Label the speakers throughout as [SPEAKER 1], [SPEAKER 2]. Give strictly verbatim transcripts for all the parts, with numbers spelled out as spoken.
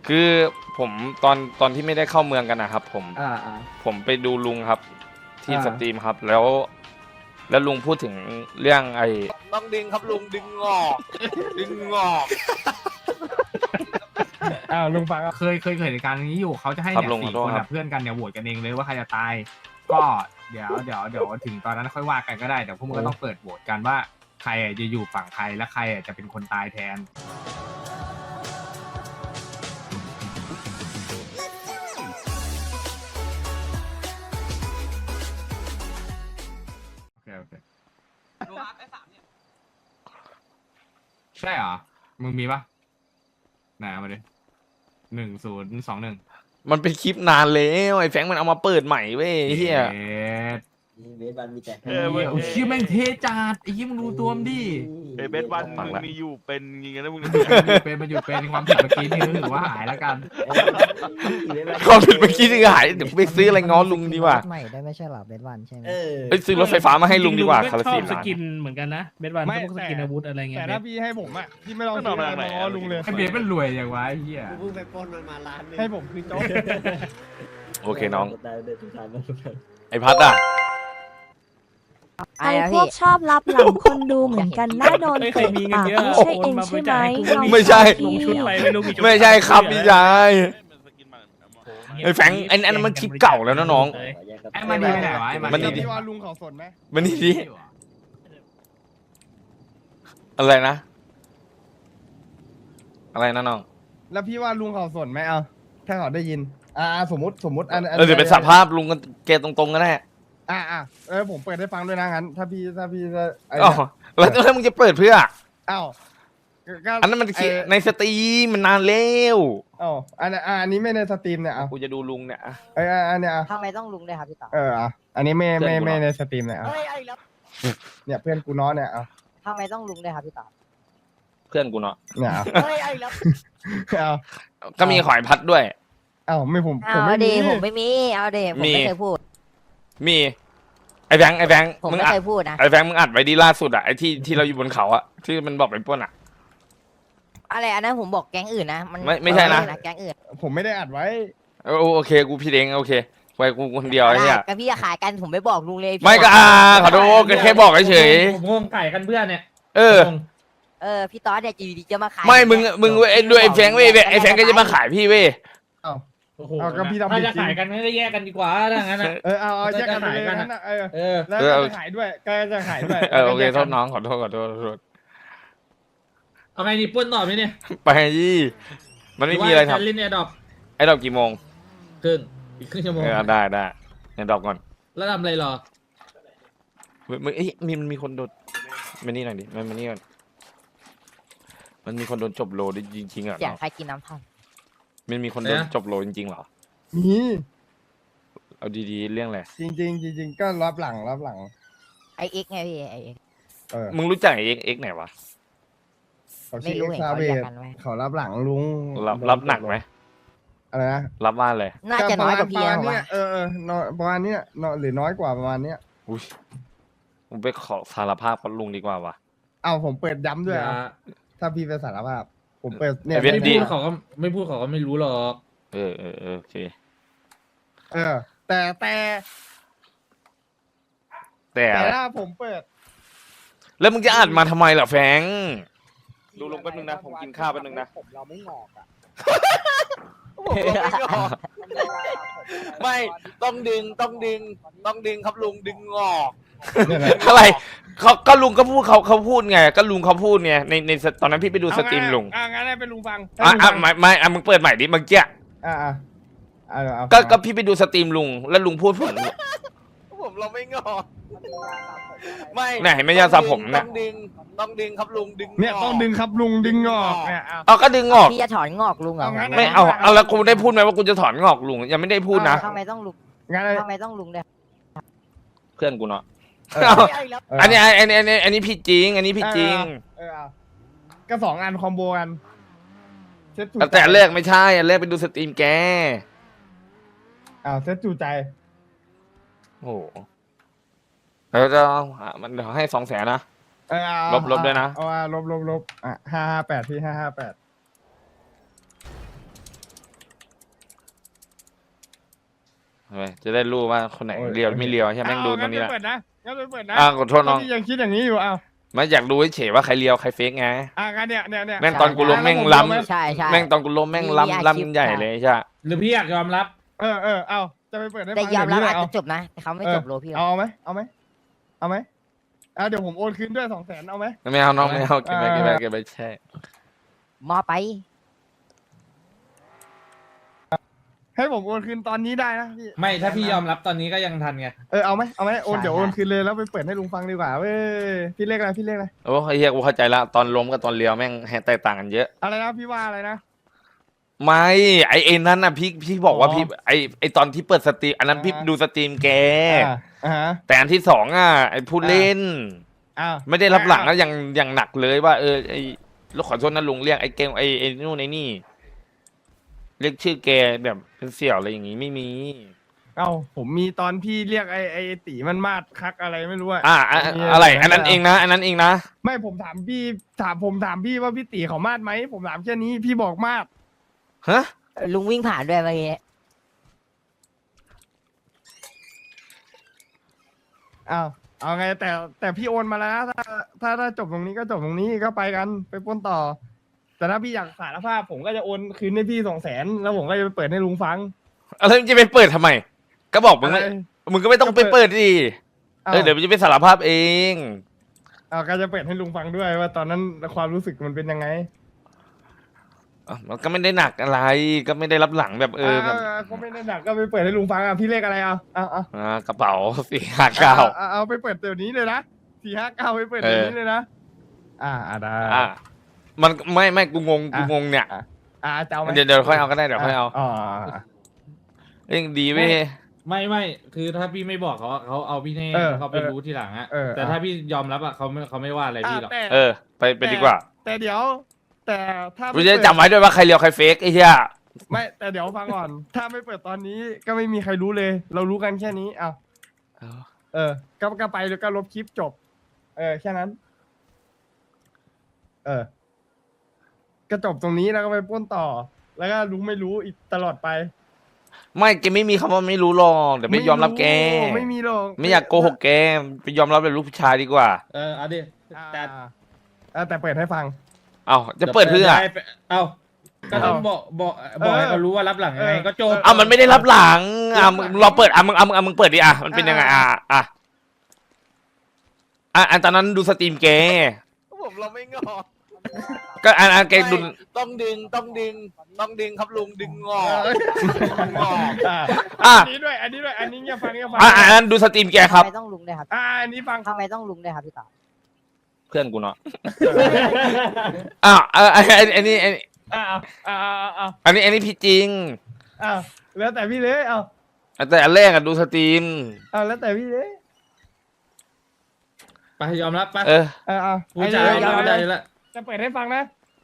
[SPEAKER 1] คือผมตอนตอนที่ไม่ได้เข้าเมืองกันนะครับผม
[SPEAKER 2] อ่าอ่า
[SPEAKER 1] ผมไปดูลุงครับ ที่
[SPEAKER 2] อ่า
[SPEAKER 1] สตรีมครับ แล้ว แล้วลุงพูดถึงเรื่องไอ้
[SPEAKER 3] ต้องดึงครับลุงดึงงอก ดึงงอก
[SPEAKER 2] อ้าวลุงฟังเคยเคยเกิดเหตุการณ์นี้อยู่เขาจะให้
[SPEAKER 1] ครับ
[SPEAKER 2] เนี่ย
[SPEAKER 1] ลุง
[SPEAKER 2] สี่
[SPEAKER 1] ขอโทษ
[SPEAKER 2] คน
[SPEAKER 1] ครั
[SPEAKER 2] อะ
[SPEAKER 1] บ
[SPEAKER 2] เพื่อนกันเนี่ยโหวตกันเองเลยว่าใครจะตาย ก็เดี๋ยวเดี๋ยวเดี๋ยวถึงตอนนั้นค่อยว่ากันก็ได้แต่พวกมึงก็ต้องเปิดโหวตกันว่าใครอะจะอยู่ฝั่งใครและใครอะจะเป็นคนตายแทนโอเคโอเคใช่เหรอมึงมีปะไหนเอามาดิหนึ่งศูนย์สองหนึ่ง
[SPEAKER 1] มันเป็นคลิปนานแล้วไอ้แฟรงค์มันเอามาเปิดใหม่เว้ยไอ้เฮีย
[SPEAKER 4] เบสบันมีแต่
[SPEAKER 2] เออโอ้ยเชี่ยแม่งเทจัดไอ้ยี่มึงดูตัวมันดิ
[SPEAKER 5] เฮ้ยเบสวัน
[SPEAKER 1] ฟัง
[SPEAKER 5] มึง
[SPEAKER 1] ละ
[SPEAKER 5] มีอยู่เป็นอยังไงนะมึง
[SPEAKER 2] เป็นมันหยุดเป็นความผิดเมื่อกี้นี่ก็ถือว่าหายแล้วกัน
[SPEAKER 1] ความผิดเมื่อกี้ที่หายเดี๋ยวไปซื้ออะไรง้อลุงดีกว่า
[SPEAKER 6] ใหม่ได้ไม่ใช่หรอเบสวันใช่ไหม
[SPEAKER 4] เออ
[SPEAKER 1] เอ้ยซื้อรถไฟฟ้ามาให้ลุงดีกว่า
[SPEAKER 7] จริ
[SPEAKER 1] คา
[SPEAKER 7] ๆ
[SPEAKER 1] รา
[SPEAKER 7] ลุ
[SPEAKER 1] ซี
[SPEAKER 7] งก็ชอบสกินเหมือนกันนะเบสวัน
[SPEAKER 8] ไม่
[SPEAKER 7] พวกสกิน
[SPEAKER 8] แต่
[SPEAKER 7] อาวุธอะไรเงี้ย
[SPEAKER 8] แต่
[SPEAKER 7] เบ
[SPEAKER 8] ถ้า
[SPEAKER 7] ส
[SPEAKER 8] พี่ให้ผมอ่ะพี่ไม่ต้องซื้ออะไรมาง้อลุงเลย
[SPEAKER 2] ไอ้เบสมันรวยอย่างวะไอ้เหี้ย
[SPEAKER 4] กูเพิ่งไปปล้นมันมาล้านหนึง
[SPEAKER 8] ให้ผมคือโจ๊ก
[SPEAKER 1] โอเคน้อง
[SPEAKER 4] ได้ได้ทุกทางทุกทาง
[SPEAKER 1] ไอ้พัดอ่ะ
[SPEAKER 6] ไอ้
[SPEAKER 9] ไอ้
[SPEAKER 6] อะ
[SPEAKER 9] พว
[SPEAKER 6] พี่
[SPEAKER 9] กชอบรับหลังคนดูเหมือนกันน่าโดน
[SPEAKER 7] เฮ้ยใคร
[SPEAKER 9] เตะ
[SPEAKER 7] มีเงิน
[SPEAKER 9] ปาก
[SPEAKER 7] เยอะ
[SPEAKER 9] ไม่ใช่เองใช่ไหมลอง
[SPEAKER 1] ไม่ใช่
[SPEAKER 7] ลงชุดไปไม่รู้กี่ชุด
[SPEAKER 1] ไม่ใช่ครับพี่ชายไอ้แฟรงค์ไอ้อันนั้นมันคลิปเก่าแล้วนะน้อง
[SPEAKER 4] ขอแยกกัน
[SPEAKER 2] ไอ้มันดีไปไหนวะไอ้มัน
[SPEAKER 1] มันดี
[SPEAKER 8] พี่ว่าลุงเขาสนไหม
[SPEAKER 1] มันนี่ดิอะไรนะ อะไรนะน้อง
[SPEAKER 8] แล้วพี่ว่าลุงเขาสนไหมเอาถ้าเขาได้ยิน อ่าสมมติสมมติอัน
[SPEAKER 1] เออเดี๋ยวเป็นสภาพลุงกันแกตรงๆก็ได้
[SPEAKER 8] อ่าอ่าเออผมเปิดให้ฟังด้วยนะงั้น ถ้าพี่ถ้าพี่จะไอ้
[SPEAKER 1] อ๋อแล้วแล้วมึงจะเปิดเพื่อ
[SPEAKER 8] อ้าวก็
[SPEAKER 1] อันนั้นมัน
[SPEAKER 8] ไอ้
[SPEAKER 1] ในสตรีมมันนานแล้ว
[SPEAKER 8] อ้าวอันนี้อ่าอันนี้ไม่ในสตรีมเนี่ยอ่ะ
[SPEAKER 1] กูจะดูลุงเนี่ยอะ
[SPEAKER 8] ไอ้อ่ะอันเนี้ยอ่ะ
[SPEAKER 6] ทำไมต้องลุงด้วยครับพี่ต่อ
[SPEAKER 8] เอออ่ะอันนี้ไม่ไม่
[SPEAKER 1] เพื่อนกู
[SPEAKER 8] ไม่
[SPEAKER 1] เหรอ
[SPEAKER 8] ในสตรีมเนี่ยอ่ะ
[SPEAKER 6] เฮ้ยไอ้แล้ว
[SPEAKER 8] เนี่ยเพื่อนกูน้อเนี่ยอ่ะ
[SPEAKER 6] ทำไมต้องลุงด้วยครับพี่ต่อ
[SPEAKER 1] เพื่อนกูเนาะ
[SPEAKER 8] เนี่ยอ่ะ
[SPEAKER 6] เฮ้ยไอ้แล้ว
[SPEAKER 8] เอา
[SPEAKER 1] ก็มีขอยพัดด้วย
[SPEAKER 8] เอ้าไม่ผมผม
[SPEAKER 6] เอา
[SPEAKER 8] ไม่
[SPEAKER 6] เด
[SPEAKER 8] มี
[SPEAKER 6] ผมไม่มีเอาเดผม
[SPEAKER 1] มี
[SPEAKER 6] ไม่เคยพูด
[SPEAKER 1] มีไอ้แบงค์ไอ้แบงค์
[SPEAKER 6] ผม
[SPEAKER 1] มึง
[SPEAKER 6] ไม่
[SPEAKER 1] อัด
[SPEAKER 6] เคยพูดนะ
[SPEAKER 1] ไอ้แบงค์มึงอัดไว้ดีล่าสุดอะไอ้ที่ที่เราอยู่บนเขาอะที่มันบอกไปปล้นอะ
[SPEAKER 6] อะไรอันนั้นผมบอกแก๊งอื่นนะมัน
[SPEAKER 1] ไม่ไม่ใช่นะ
[SPEAKER 6] แก๊งอื่น
[SPEAKER 8] ผมไม่ได้อัดไว้
[SPEAKER 1] เออโอเคกูพี่เองโอเคไว้กูคนเดียวไอ้เหี้ย
[SPEAKER 6] กับพี่จะขายกันผมไม่บอกลุงเลยพี่
[SPEAKER 1] ไม่ก็อ่าขอโทษก็แค่บอกเฉย
[SPEAKER 7] ผมงงไก่กันเพื่อนเนี่ย
[SPEAKER 1] ๆเออ
[SPEAKER 7] งง
[SPEAKER 6] เออพี่ต๊อดเนี่ยอยู่ดีจะมาขาย
[SPEAKER 1] ไม่มึงมึงไอ้ด้วยไอ้แฟรงค์เว้ยไอ้แฟรงค์ก็จะมาขายพี่เว้ย
[SPEAKER 8] เอ้า
[SPEAKER 7] โอ้โห
[SPEAKER 8] เอาก็พี่ทำ
[SPEAKER 7] ถ้า
[SPEAKER 8] ผิด
[SPEAKER 7] จะ
[SPEAKER 8] จริง
[SPEAKER 7] ขายกันไม่ได้แยกกันดีกว่าถ้างั้นนะ
[SPEAKER 8] เออเอาเอาแยกกันไปเลย
[SPEAKER 7] จะขายกัน
[SPEAKER 8] นั่นน่ะเออ
[SPEAKER 7] เออ
[SPEAKER 8] แล้ว
[SPEAKER 1] เออ
[SPEAKER 8] ก็
[SPEAKER 1] เอา
[SPEAKER 8] จะขายด้วยก็จะขายด้วย
[SPEAKER 1] เออโอเค
[SPEAKER 8] แล้ว
[SPEAKER 1] โท
[SPEAKER 8] ก็แยก
[SPEAKER 1] ษ
[SPEAKER 8] กัน
[SPEAKER 1] น้องขอโทษขอโทษขอโทษ
[SPEAKER 7] เอาไงดีปล้นต่อไหมเนี่ย
[SPEAKER 1] ไปยี่มันไม่มีอะไร
[SPEAKER 7] หว่าจ
[SPEAKER 1] ทำ
[SPEAKER 7] เล่นแอร์ดรอป
[SPEAKER 1] ไอ้ดอกกี่โมง
[SPEAKER 7] ครึ่งอีกครึ่งชั่วโมง
[SPEAKER 1] เออได้ได้ไอ้ดอกก่อน
[SPEAKER 7] แล้วทำอะไรรอ
[SPEAKER 1] มึงมึงเอ้ยมีมันมีคนโดนมานี่หน่อยดิมันมานี่ก่อนมันมีคนโดนจบโลดจริงๆเหรอ
[SPEAKER 6] เสียงใครกินน้ำท่อม
[SPEAKER 1] มันมีคนโดนจบโลจริงๆเหรอ
[SPEAKER 8] มี
[SPEAKER 1] เอาดีๆเรื่องอะไร
[SPEAKER 8] จริงจริงๆจริงๆก็รับหลังรับหลัง
[SPEAKER 6] ไอเอ็กซ์ไงพี่ไอเอ็กซ์
[SPEAKER 8] เออ
[SPEAKER 1] มึงรู้จักไอ้เอ็กเอ็กไหนวะ
[SPEAKER 8] เขา
[SPEAKER 6] ไม่
[SPEAKER 8] ชื่อ
[SPEAKER 6] รู้
[SPEAKER 8] เอ็ก
[SPEAKER 6] เห็น
[SPEAKER 8] ซา
[SPEAKER 6] เขา
[SPEAKER 8] เบ
[SPEAKER 6] เรียก
[SPEAKER 8] ส
[SPEAKER 6] กันไว้
[SPEAKER 8] เขารับหลังลุง
[SPEAKER 1] รับรับหนักไหม
[SPEAKER 8] อะไรนะ
[SPEAKER 1] รับว่าเลย
[SPEAKER 6] น่าจะน้อยกว่าพี่
[SPEAKER 8] ประ
[SPEAKER 6] นะ
[SPEAKER 8] มาณ
[SPEAKER 6] ผม
[SPEAKER 8] เนี้ย
[SPEAKER 6] ว่า
[SPEAKER 8] เออเออน้อยประมาณเนี้ยน้อยหรือน้อยกว่าประมาณเนี้ย
[SPEAKER 1] อุ้ยมึงไปขอสารภาพกับลุงดีกว่าวะ
[SPEAKER 8] เอ้าผมเปิดย้ำด้วย
[SPEAKER 7] อย่า
[SPEAKER 8] อ่ะถ้าพี่ไปสารภาพ ผมเปิดเนี่ย
[SPEAKER 1] ไอ้เวท
[SPEAKER 7] ไม่
[SPEAKER 1] ดี
[SPEAKER 7] พูดเขาก็ไม่พูดเขาก็ไม่รู้หรอก
[SPEAKER 1] เออเออเออโอเค
[SPEAKER 8] เออ แต่แต่
[SPEAKER 1] แต่
[SPEAKER 8] แต่ถ้าผมเปิด
[SPEAKER 1] แล้วมึงจะอ่านมาทำไมล่ะแฟงดูลงแป๊บนึงนะผมกินข้าวแป๊บนึงนะ
[SPEAKER 4] ผมเราไม่งอกอ่ะ
[SPEAKER 3] ไม่ต้องดึงต้องดึงต้องดึงครับลุงดึงงอก
[SPEAKER 8] เนี่ยนะ
[SPEAKER 1] อะไรเขาก็ลุงก็พูดเขาเขาพูดไงก็ลุงเขาพูดไงในในตอนนั้นพี่ไปดูสตรีมลุง
[SPEAKER 8] อ่ะงั้นให้เป็นลุงฟัง
[SPEAKER 1] อ่ะ
[SPEAKER 8] ให้ลุง
[SPEAKER 1] อ่ะ
[SPEAKER 8] ฟัง
[SPEAKER 1] ไม่ไม่อ่ะมึงเปิดใหม่ดิเมื่อกี้
[SPEAKER 8] อ่ะอ่ะอ่ะเอา
[SPEAKER 1] ก็
[SPEAKER 8] ฟัง
[SPEAKER 1] ก็พี่ไปดูสตรีมลุงแล้วลุงพูดผม
[SPEAKER 3] ผมเราไม่งอกไม่
[SPEAKER 1] ไหนไม่ยาสระผมเนี่ย
[SPEAKER 3] ต้องดึงต้องดึงครับลุงดึง
[SPEAKER 8] เนี่ยต้องดึงครับลุงดึงงอกเนี่ยอ่ะ
[SPEAKER 1] เอาก็ดึงออก
[SPEAKER 6] พี่จะถอนงอกลุงเหรอ
[SPEAKER 8] เอางั้น
[SPEAKER 1] ไม่เอาเอาแล้วกูได้พูดไหมว่ากูจะถอนงอกลุงยังไม่ได้พูดนะ
[SPEAKER 6] ทำไมต้องลุง
[SPEAKER 8] งั้น
[SPEAKER 6] ทำไมต้องลุงด้วย
[SPEAKER 1] เพื่อนกูเนาะ
[SPEAKER 8] เออ
[SPEAKER 1] เอา
[SPEAKER 6] ไอ้แล้ว
[SPEAKER 8] เออ
[SPEAKER 1] อันนี้อันนี้อันนี้อันนี้ผิดจริง อันนี้ผิดจริง
[SPEAKER 8] เออเอาก็สองอันคอมโบกันเซตจู
[SPEAKER 1] แต่อันแรกไม่ใช่อันแรกไปดูสตรีมแก
[SPEAKER 8] อ้าวเซตจูใจ
[SPEAKER 1] โอ้โหแล้วจะเอาอ่ะมันเดี๋ยวให้สองแสนนะ
[SPEAKER 8] เออเอา
[SPEAKER 1] ลบลบด้วยนะ
[SPEAKER 8] เอาเอาลบลบลบอ่ะห้าห้าแปดที่ห้าห้าแปด
[SPEAKER 1] ทำไมจะได้รู้ว่าคนไหนเลียวไม่เลียวใช่ไหมแม่งดูตรงนี้แหละ
[SPEAKER 8] เปิดนะงั้นไปเปิดนะ
[SPEAKER 1] อ่าขอโทษน้อง
[SPEAKER 8] พี่ยังคิดอย่างนี้อยู่อ้าว
[SPEAKER 1] ไม่อยากดูเฉยๆว่าใครเลียวใครเฟกไง
[SPEAKER 8] อ่างั้นเนี่ยเนี่ยเนี่ย
[SPEAKER 1] แม่งตอนกูล้มแม่งล้ำ
[SPEAKER 6] ใช่ใช่
[SPEAKER 1] แม่งตอนกูล้มแม่ง
[SPEAKER 6] มีอาชีพ
[SPEAKER 1] ล้ำล้ำใหญ่เลยใช่
[SPEAKER 7] หรือพี่อยากยอมรับ
[SPEAKER 8] เออเออเอาจะไปเปิดให้
[SPEAKER 6] แต่
[SPEAKER 8] ฟัง
[SPEAKER 6] ยอมรับ
[SPEAKER 8] เดี๋ว
[SPEAKER 6] อาจ
[SPEAKER 8] นี้
[SPEAKER 6] จะจบนะแต่เขาไม่จบโลพี่หรอก
[SPEAKER 8] เอาไหมเอาไหมเอาไหมเอาเดี๋ยวผมโอนคืนด้วยสองแสนเอาไหม
[SPEAKER 1] ไม่เอาน้องไม่เอาเก็บไป
[SPEAKER 8] อ่า
[SPEAKER 1] เก็บไปเก็บไปแช่
[SPEAKER 6] มอไป
[SPEAKER 8] ให้ผมโอนคืนตอนนี้ได้นะพี่
[SPEAKER 7] ไม่ถ้าพี่ยอมรับตอนนี้ก็ยังทันไง
[SPEAKER 8] เออเอาไหมเอาไหมโอนเดี๋ยวโอนคืนเลยแล้วไปเปิดให้ลุงฟังดีกว่าเว้ยพี่เลขอะไรพี่เลขอะไร
[SPEAKER 1] โอ้ไอ้เหี้ยกูเข้าใจละตอนล้มกับตอนเลียวแม่งแตกต่างกันเยอะ
[SPEAKER 8] อะไรนะพี่ว่าอะไรนะ
[SPEAKER 1] ไม่ไอเอ็นนั้นน่ะพี่พี่บอกว่า
[SPEAKER 8] อ๋อ
[SPEAKER 1] พี่ไอไอตอนที่เปิดสตรีมอันนั้นพี่
[SPEAKER 8] อ่า
[SPEAKER 1] ดูสตรีมแก
[SPEAKER 8] อ่าอ่าฮะ
[SPEAKER 1] แต่อันที่สองอ่ะไอผู้เล่น
[SPEAKER 8] อ้าว
[SPEAKER 1] ไม่ได้รับหลังแล้วอย่างอย่างหนักเลยว่าเออไอลูกขอโทษนะลุงเรียกไอเกมไอไอนู่นไอนี่ เรียกชื่อแกแบบเป็นเสี่ยวอะไรอย่างงี้ไม่มี
[SPEAKER 8] เอ้าผมมีตอนพี่เรียกไอ้ไอ้ตีมันมาดคักอะไรไม่รู้อะ
[SPEAKER 1] อ่าอะ
[SPEAKER 8] มี
[SPEAKER 1] อะไร อันนั้นเองนะ อันนั้นเองนะ
[SPEAKER 8] ไม่ผมถามพี่ถามผมถามพี่ว่าพี่ตีเขามาดไหมผมถามแค่นี้พี่บอกมาด
[SPEAKER 1] ฮะ
[SPEAKER 6] ลุงวิ่งผ่านด้วยเมื่อกี้
[SPEAKER 8] อ้าวเอาไงแต่แต่พี่โอนมาแล้วนะถ้าถ้าถ้าจบตรงนี้ก็จบตรงนี้ก็ไปกันไปปล้นต่อ แต่ถ้าพี่อยากสารภาพผมก็จะโอนคืนให้พี่สองแสนแล้วผมก็จะไปเปิดให้ลุงฟัง
[SPEAKER 1] อะไรมึงจะไปเปิดทำไม ก็บอกมึงไม่
[SPEAKER 8] อะไร
[SPEAKER 1] มึงก็ไม่ต้องไปเปิดดิ
[SPEAKER 8] อ้า
[SPEAKER 1] เออเดี๋ยวมึงจะไปสารภาพเอง
[SPEAKER 8] เอาก็จะเปิดให้ลุงฟังด้วยว่าตอนนั้นความรู้สึกมันเป็นยังไง
[SPEAKER 1] อ่ะมันก็ไม่ได้หนักอะไร ก็ไม่ได้รับหลังแบบเออแบบ
[SPEAKER 8] าก็ไม่ได้หนักก็ไปเปิดให้ลุงฟังอ่ะพี่เลขอะไรเอาเอาเอา
[SPEAKER 1] อ่ากระเป๋าสี่ห้าเก้า
[SPEAKER 8] เอาเอาไปเปิดเดี๋ยวนี้เลยนะสี่ห้าเก้าไปเปิดเดี๋ยวนี้เลยนะอ่าอ่าได้
[SPEAKER 1] อ่ะมันไม่ไม่กูงงกู
[SPEAKER 8] อ่ะ
[SPEAKER 1] งงเนี่ย
[SPEAKER 8] อ่าจะเอาไหม
[SPEAKER 1] เดี๋ยวเดี๋ยวค่อยเอาก็ได้เดี๋ยวค่อยเอา
[SPEAKER 8] อ๋อ
[SPEAKER 1] เองดีเว้ย
[SPEAKER 7] ไม่ไม่คือถ้าพี่ไม่บอกเขาอะเขาเอาพี่แน่
[SPEAKER 8] เออ
[SPEAKER 7] เขาไป
[SPEAKER 8] เออ
[SPEAKER 7] รู้ทีหลังอะ
[SPEAKER 8] เออ
[SPEAKER 7] แต่ถ้าพี่ยอมรับอะเขาไม่เขาไม่ว่าอะไรพี่หรอก
[SPEAKER 8] แต่
[SPEAKER 1] เออ ไปไปดีกว่า
[SPEAKER 8] แต่เดี๋ยว แต่ถ้า
[SPEAKER 1] กูจะจำไว้ด้วยว่าใครเลียวใครเฟกไอ้เหี้ย
[SPEAKER 8] ไม่แต่เดี๋ยวฟังก่อน ถ้าไม่เปิดตอนนี้ก็ไม่มีใครรู้เลย เรารู้กันแค่นี้เอาเออก็ก็ไปแล้วก็ลบคลิปจบ เออแค่นั้น เออ ก็จบตรงนี้แล้วก็ไปปล้นต่อ แล้วก็รู้ไม่รู้อีกตลอดไป
[SPEAKER 1] ไม่แกไม่มีคำว่าไม่รู้หรอกเดี๋ยวไปยอมรับแก
[SPEAKER 8] ไม่มีหรอก
[SPEAKER 1] ไม่อยากโกหกแกไปยอมรับเป็นลูกผู้ชายดีกว่า
[SPEAKER 7] เออเอาดิ
[SPEAKER 8] อ่า
[SPEAKER 7] แต่
[SPEAKER 8] อ่าแต่เปิดให้ฟัง
[SPEAKER 1] เอาจะเปิดเพื่อ
[SPEAKER 7] ได้ไปเอาก็ต้องบอกบอกบอกให้เขารู้ว่ารับหลังยังไง
[SPEAKER 8] เออ
[SPEAKER 7] ก็จบ
[SPEAKER 1] เอามันไม่ได้รับหลังอ่ะมึงเราเปิดอ่ะมึงอ่ะมึงอ่ะมึงเปิดดิอ่ะมันเป็นยังไงอ่ะอ่ะอ่ะอันตอนนั้นดูสตรีมแก
[SPEAKER 3] ผมเราไม่งอ
[SPEAKER 1] ก็อันอันแกดู
[SPEAKER 3] ไม่ต้องดึงต้องดึงต้องดึงครับลุงดึงงอกดึงงอก
[SPEAKER 8] อ่า
[SPEAKER 1] อ่ะ
[SPEAKER 8] อันนี้ด้วย อันนี้ด้วย อันนี้เงียบฟังเงียบฟัง
[SPEAKER 1] อ่ะอันนั้นดูสตรีมแกค
[SPEAKER 6] ทำ
[SPEAKER 1] รับ
[SPEAKER 6] ไมต้องลุงด้วยครับ
[SPEAKER 8] อ่าอันนี้ฟัง
[SPEAKER 6] ทำไมต้องลุงด้วยครับพี่ต่อ
[SPEAKER 1] เพื่อนกูเนาะอ่ะเอออันอันอันนี้อันนี้
[SPEAKER 8] อ่าอ่าอ่าอ่า
[SPEAKER 1] อันนี้อันนี้พี่จริง
[SPEAKER 8] อ่าแล้วแต่พี่เลยเอา
[SPEAKER 1] แต่อันแรกอะดูสตรีม
[SPEAKER 8] เอาแล้วแต่พี่เลย
[SPEAKER 7] ไปยอมรับไป
[SPEAKER 1] เออ
[SPEAKER 8] เอ่าอ่า
[SPEAKER 7] ผู้ชาย
[SPEAKER 8] อันนี้
[SPEAKER 7] รับ
[SPEAKER 8] เอา
[SPEAKER 7] ได้
[SPEAKER 8] เลย
[SPEAKER 7] แล้ว
[SPEAKER 8] จะเปิดให้ฟังนะ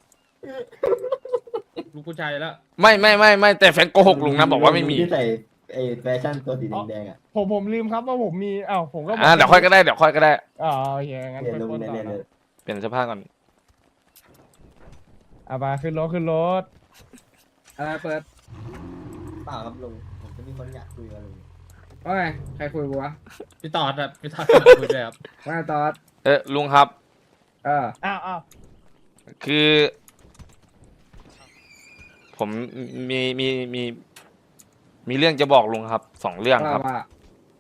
[SPEAKER 7] ลูกผู้ชายแล้ว
[SPEAKER 1] ไม่ไม่ไม่ไม่แต่แฟนโกหกลุงนะบอกว่าไม่มี
[SPEAKER 4] ที่ใส่ไอ้แฟชั่นตัวสีแดงๆอ่ะ
[SPEAKER 8] ผมผมลืมครับว่าผมมีอ้าวผมก็บก
[SPEAKER 1] อ่ะเดี๋ยวค่อยก็ได้เดี๋ยวค่อยก็ได้
[SPEAKER 8] อ๋อโอเคงั้น
[SPEAKER 4] เรียน
[SPEAKER 8] ไป
[SPEAKER 4] ลุง
[SPEAKER 8] ปล้น
[SPEAKER 4] เนี่ย
[SPEAKER 8] ต่อ
[SPEAKER 4] เนี่ย
[SPEAKER 8] นะ
[SPEAKER 1] เปลี่ยนเสื้อผ้าก่อน
[SPEAKER 8] อ่ะมาขึ้นรถขึ้นรถ
[SPEAKER 10] อะไรเปิด
[SPEAKER 4] เปล่าครับลุงผมจะมีคนอยากคุยกับลุง
[SPEAKER 10] ว่าไงใครคุยกูวะ
[SPEAKER 7] พี่ตอดอะพี่ตอดคุยด้วยครับ
[SPEAKER 10] ว่าไงตอด
[SPEAKER 1] เออลุงครับ
[SPEAKER 10] เออ
[SPEAKER 8] อ้าวอ้าว
[SPEAKER 1] คือ ผมมีมีมีมีเรื่องจะบอกลุงครับสองเรื่องครับ
[SPEAKER 10] ว่าว่า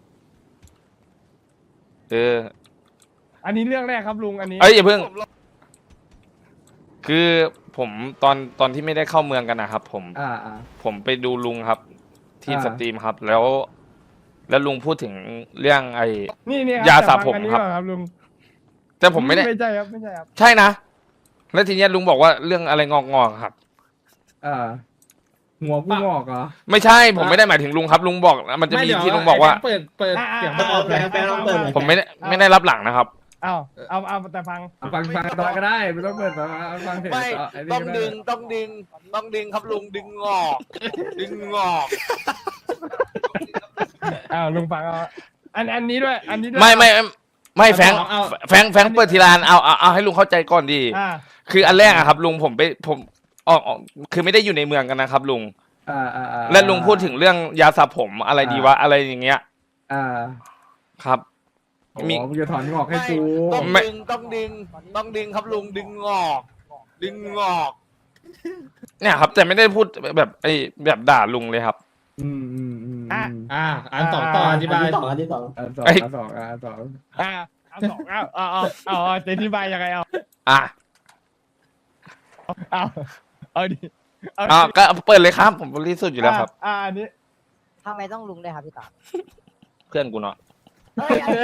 [SPEAKER 1] เออ
[SPEAKER 8] อันนี้เรื่องแรกครับลุงอันนี้
[SPEAKER 1] เอ้ยอย่าเพิ่ง
[SPEAKER 3] ผมเรา
[SPEAKER 1] คือผมตอนตอนที่ไม่ได้เข้าเมืองกันนะครับ ผม
[SPEAKER 10] อ่าอ่า
[SPEAKER 1] ผมไปดูลุงครับ ที่
[SPEAKER 10] อ่า
[SPEAKER 1] สตรีมครับ แล้ว แล้วลุงพูดถึงเรื่องไอ้
[SPEAKER 8] นี่นี่
[SPEAKER 1] ยาสระ
[SPEAKER 8] แต่ฟัง
[SPEAKER 1] ผม
[SPEAKER 8] อันนี้
[SPEAKER 1] ครับ
[SPEAKER 8] ก่อนครับลุง
[SPEAKER 1] แต่ผมไม่ได้
[SPEAKER 8] ไม่ใช่ครับไม่ใช่ครับ
[SPEAKER 1] ใช่นะ แล้วทีเนี้ยลุงบอกว่าเรื่องอะไรงอกงอกๆครับ
[SPEAKER 10] เออหัวกูงอกเหรอ
[SPEAKER 1] ไม่ใช่ผมไม่ได้หมายถึงลุงครับ ลุงบอกมันจะมี
[SPEAKER 7] ไเดี๋ยว
[SPEAKER 1] ที่ลุงบอกว่า
[SPEAKER 7] ไแฟนเปิดเปิด
[SPEAKER 8] อ่า
[SPEAKER 7] เสียง
[SPEAKER 8] อ่า
[SPEAKER 7] ประกอบเลย
[SPEAKER 4] แฟนลองเปิดหน่อย
[SPEAKER 1] ผมไม่ได้ไม่ได้รับหลังนะครับ
[SPEAKER 8] เอาเอาเอาแต่ฟัง
[SPEAKER 10] เอาฟังฟังตอดก็ได้ไม่ต้องเปิดฟังฟังเถอะ
[SPEAKER 3] ไม่
[SPEAKER 10] ต่อไอ้นี่
[SPEAKER 3] ต้อง
[SPEAKER 10] ก็ไ
[SPEAKER 3] ดึงต้องดึงต้องดึงครับลุงดึงงอกดึงงอก
[SPEAKER 8] อ้าวลุงฟังเอาอันอันนี้ด้วย อันนี้ด้วย
[SPEAKER 1] ไม่ไม่ไม่ไม่แฟง
[SPEAKER 7] เอา
[SPEAKER 1] แฟงแฟงเปิดทีลานเอาเอาเอาให้ลุงเข้าใจก่อนดี
[SPEAKER 8] อ่า
[SPEAKER 1] คืออันแรกอะครับ ลุงผมไปผมออกออกคือไม่ได้อยู่ในเมืองกันนะครับ ลุง
[SPEAKER 10] อ่าอ่าอ่า
[SPEAKER 1] และลุงพูดถึงเรื่องยาสระผมอะไรดีวะอะไรอย่างเงี้ย
[SPEAKER 10] อ่า
[SPEAKER 1] ครับ มี
[SPEAKER 10] มีมึงจะถอนงอกให้
[SPEAKER 3] ไม่
[SPEAKER 10] กู
[SPEAKER 3] ต้อง
[SPEAKER 1] ไม่
[SPEAKER 3] ดึงต้องดึงต้องดึงครับลุงดึงงอก ดึงงอก
[SPEAKER 1] เนี่ยครับ แต่ไม่ได้พูดแบบไอ้แบบด่าลุงเลยครับ
[SPEAKER 10] อืมอืมอืม
[SPEAKER 8] อ่ะ
[SPEAKER 7] อ่าอันสองต่ออธิบาย
[SPEAKER 4] ที่สองอันที่สอง
[SPEAKER 10] อันสอง
[SPEAKER 1] ไอ้
[SPEAKER 10] อันสองอันสอง
[SPEAKER 8] อ่าเอาสองเอาเอาเอาเอาเอาจะอธิบายยังไงเอา
[SPEAKER 1] อ่ะ
[SPEAKER 8] เอาเอาดิเอาดิ
[SPEAKER 1] อ่ะก็เปิดเลยครับ ผมบริสุทธิ์อยู่แล้วครับ
[SPEAKER 8] อ่าอันนี้
[SPEAKER 6] ทำไมต้องลุงด้วยครับพี่ต่อ
[SPEAKER 1] เพื่อนกูเนาะ
[SPEAKER 6] เอ้ยอันนี้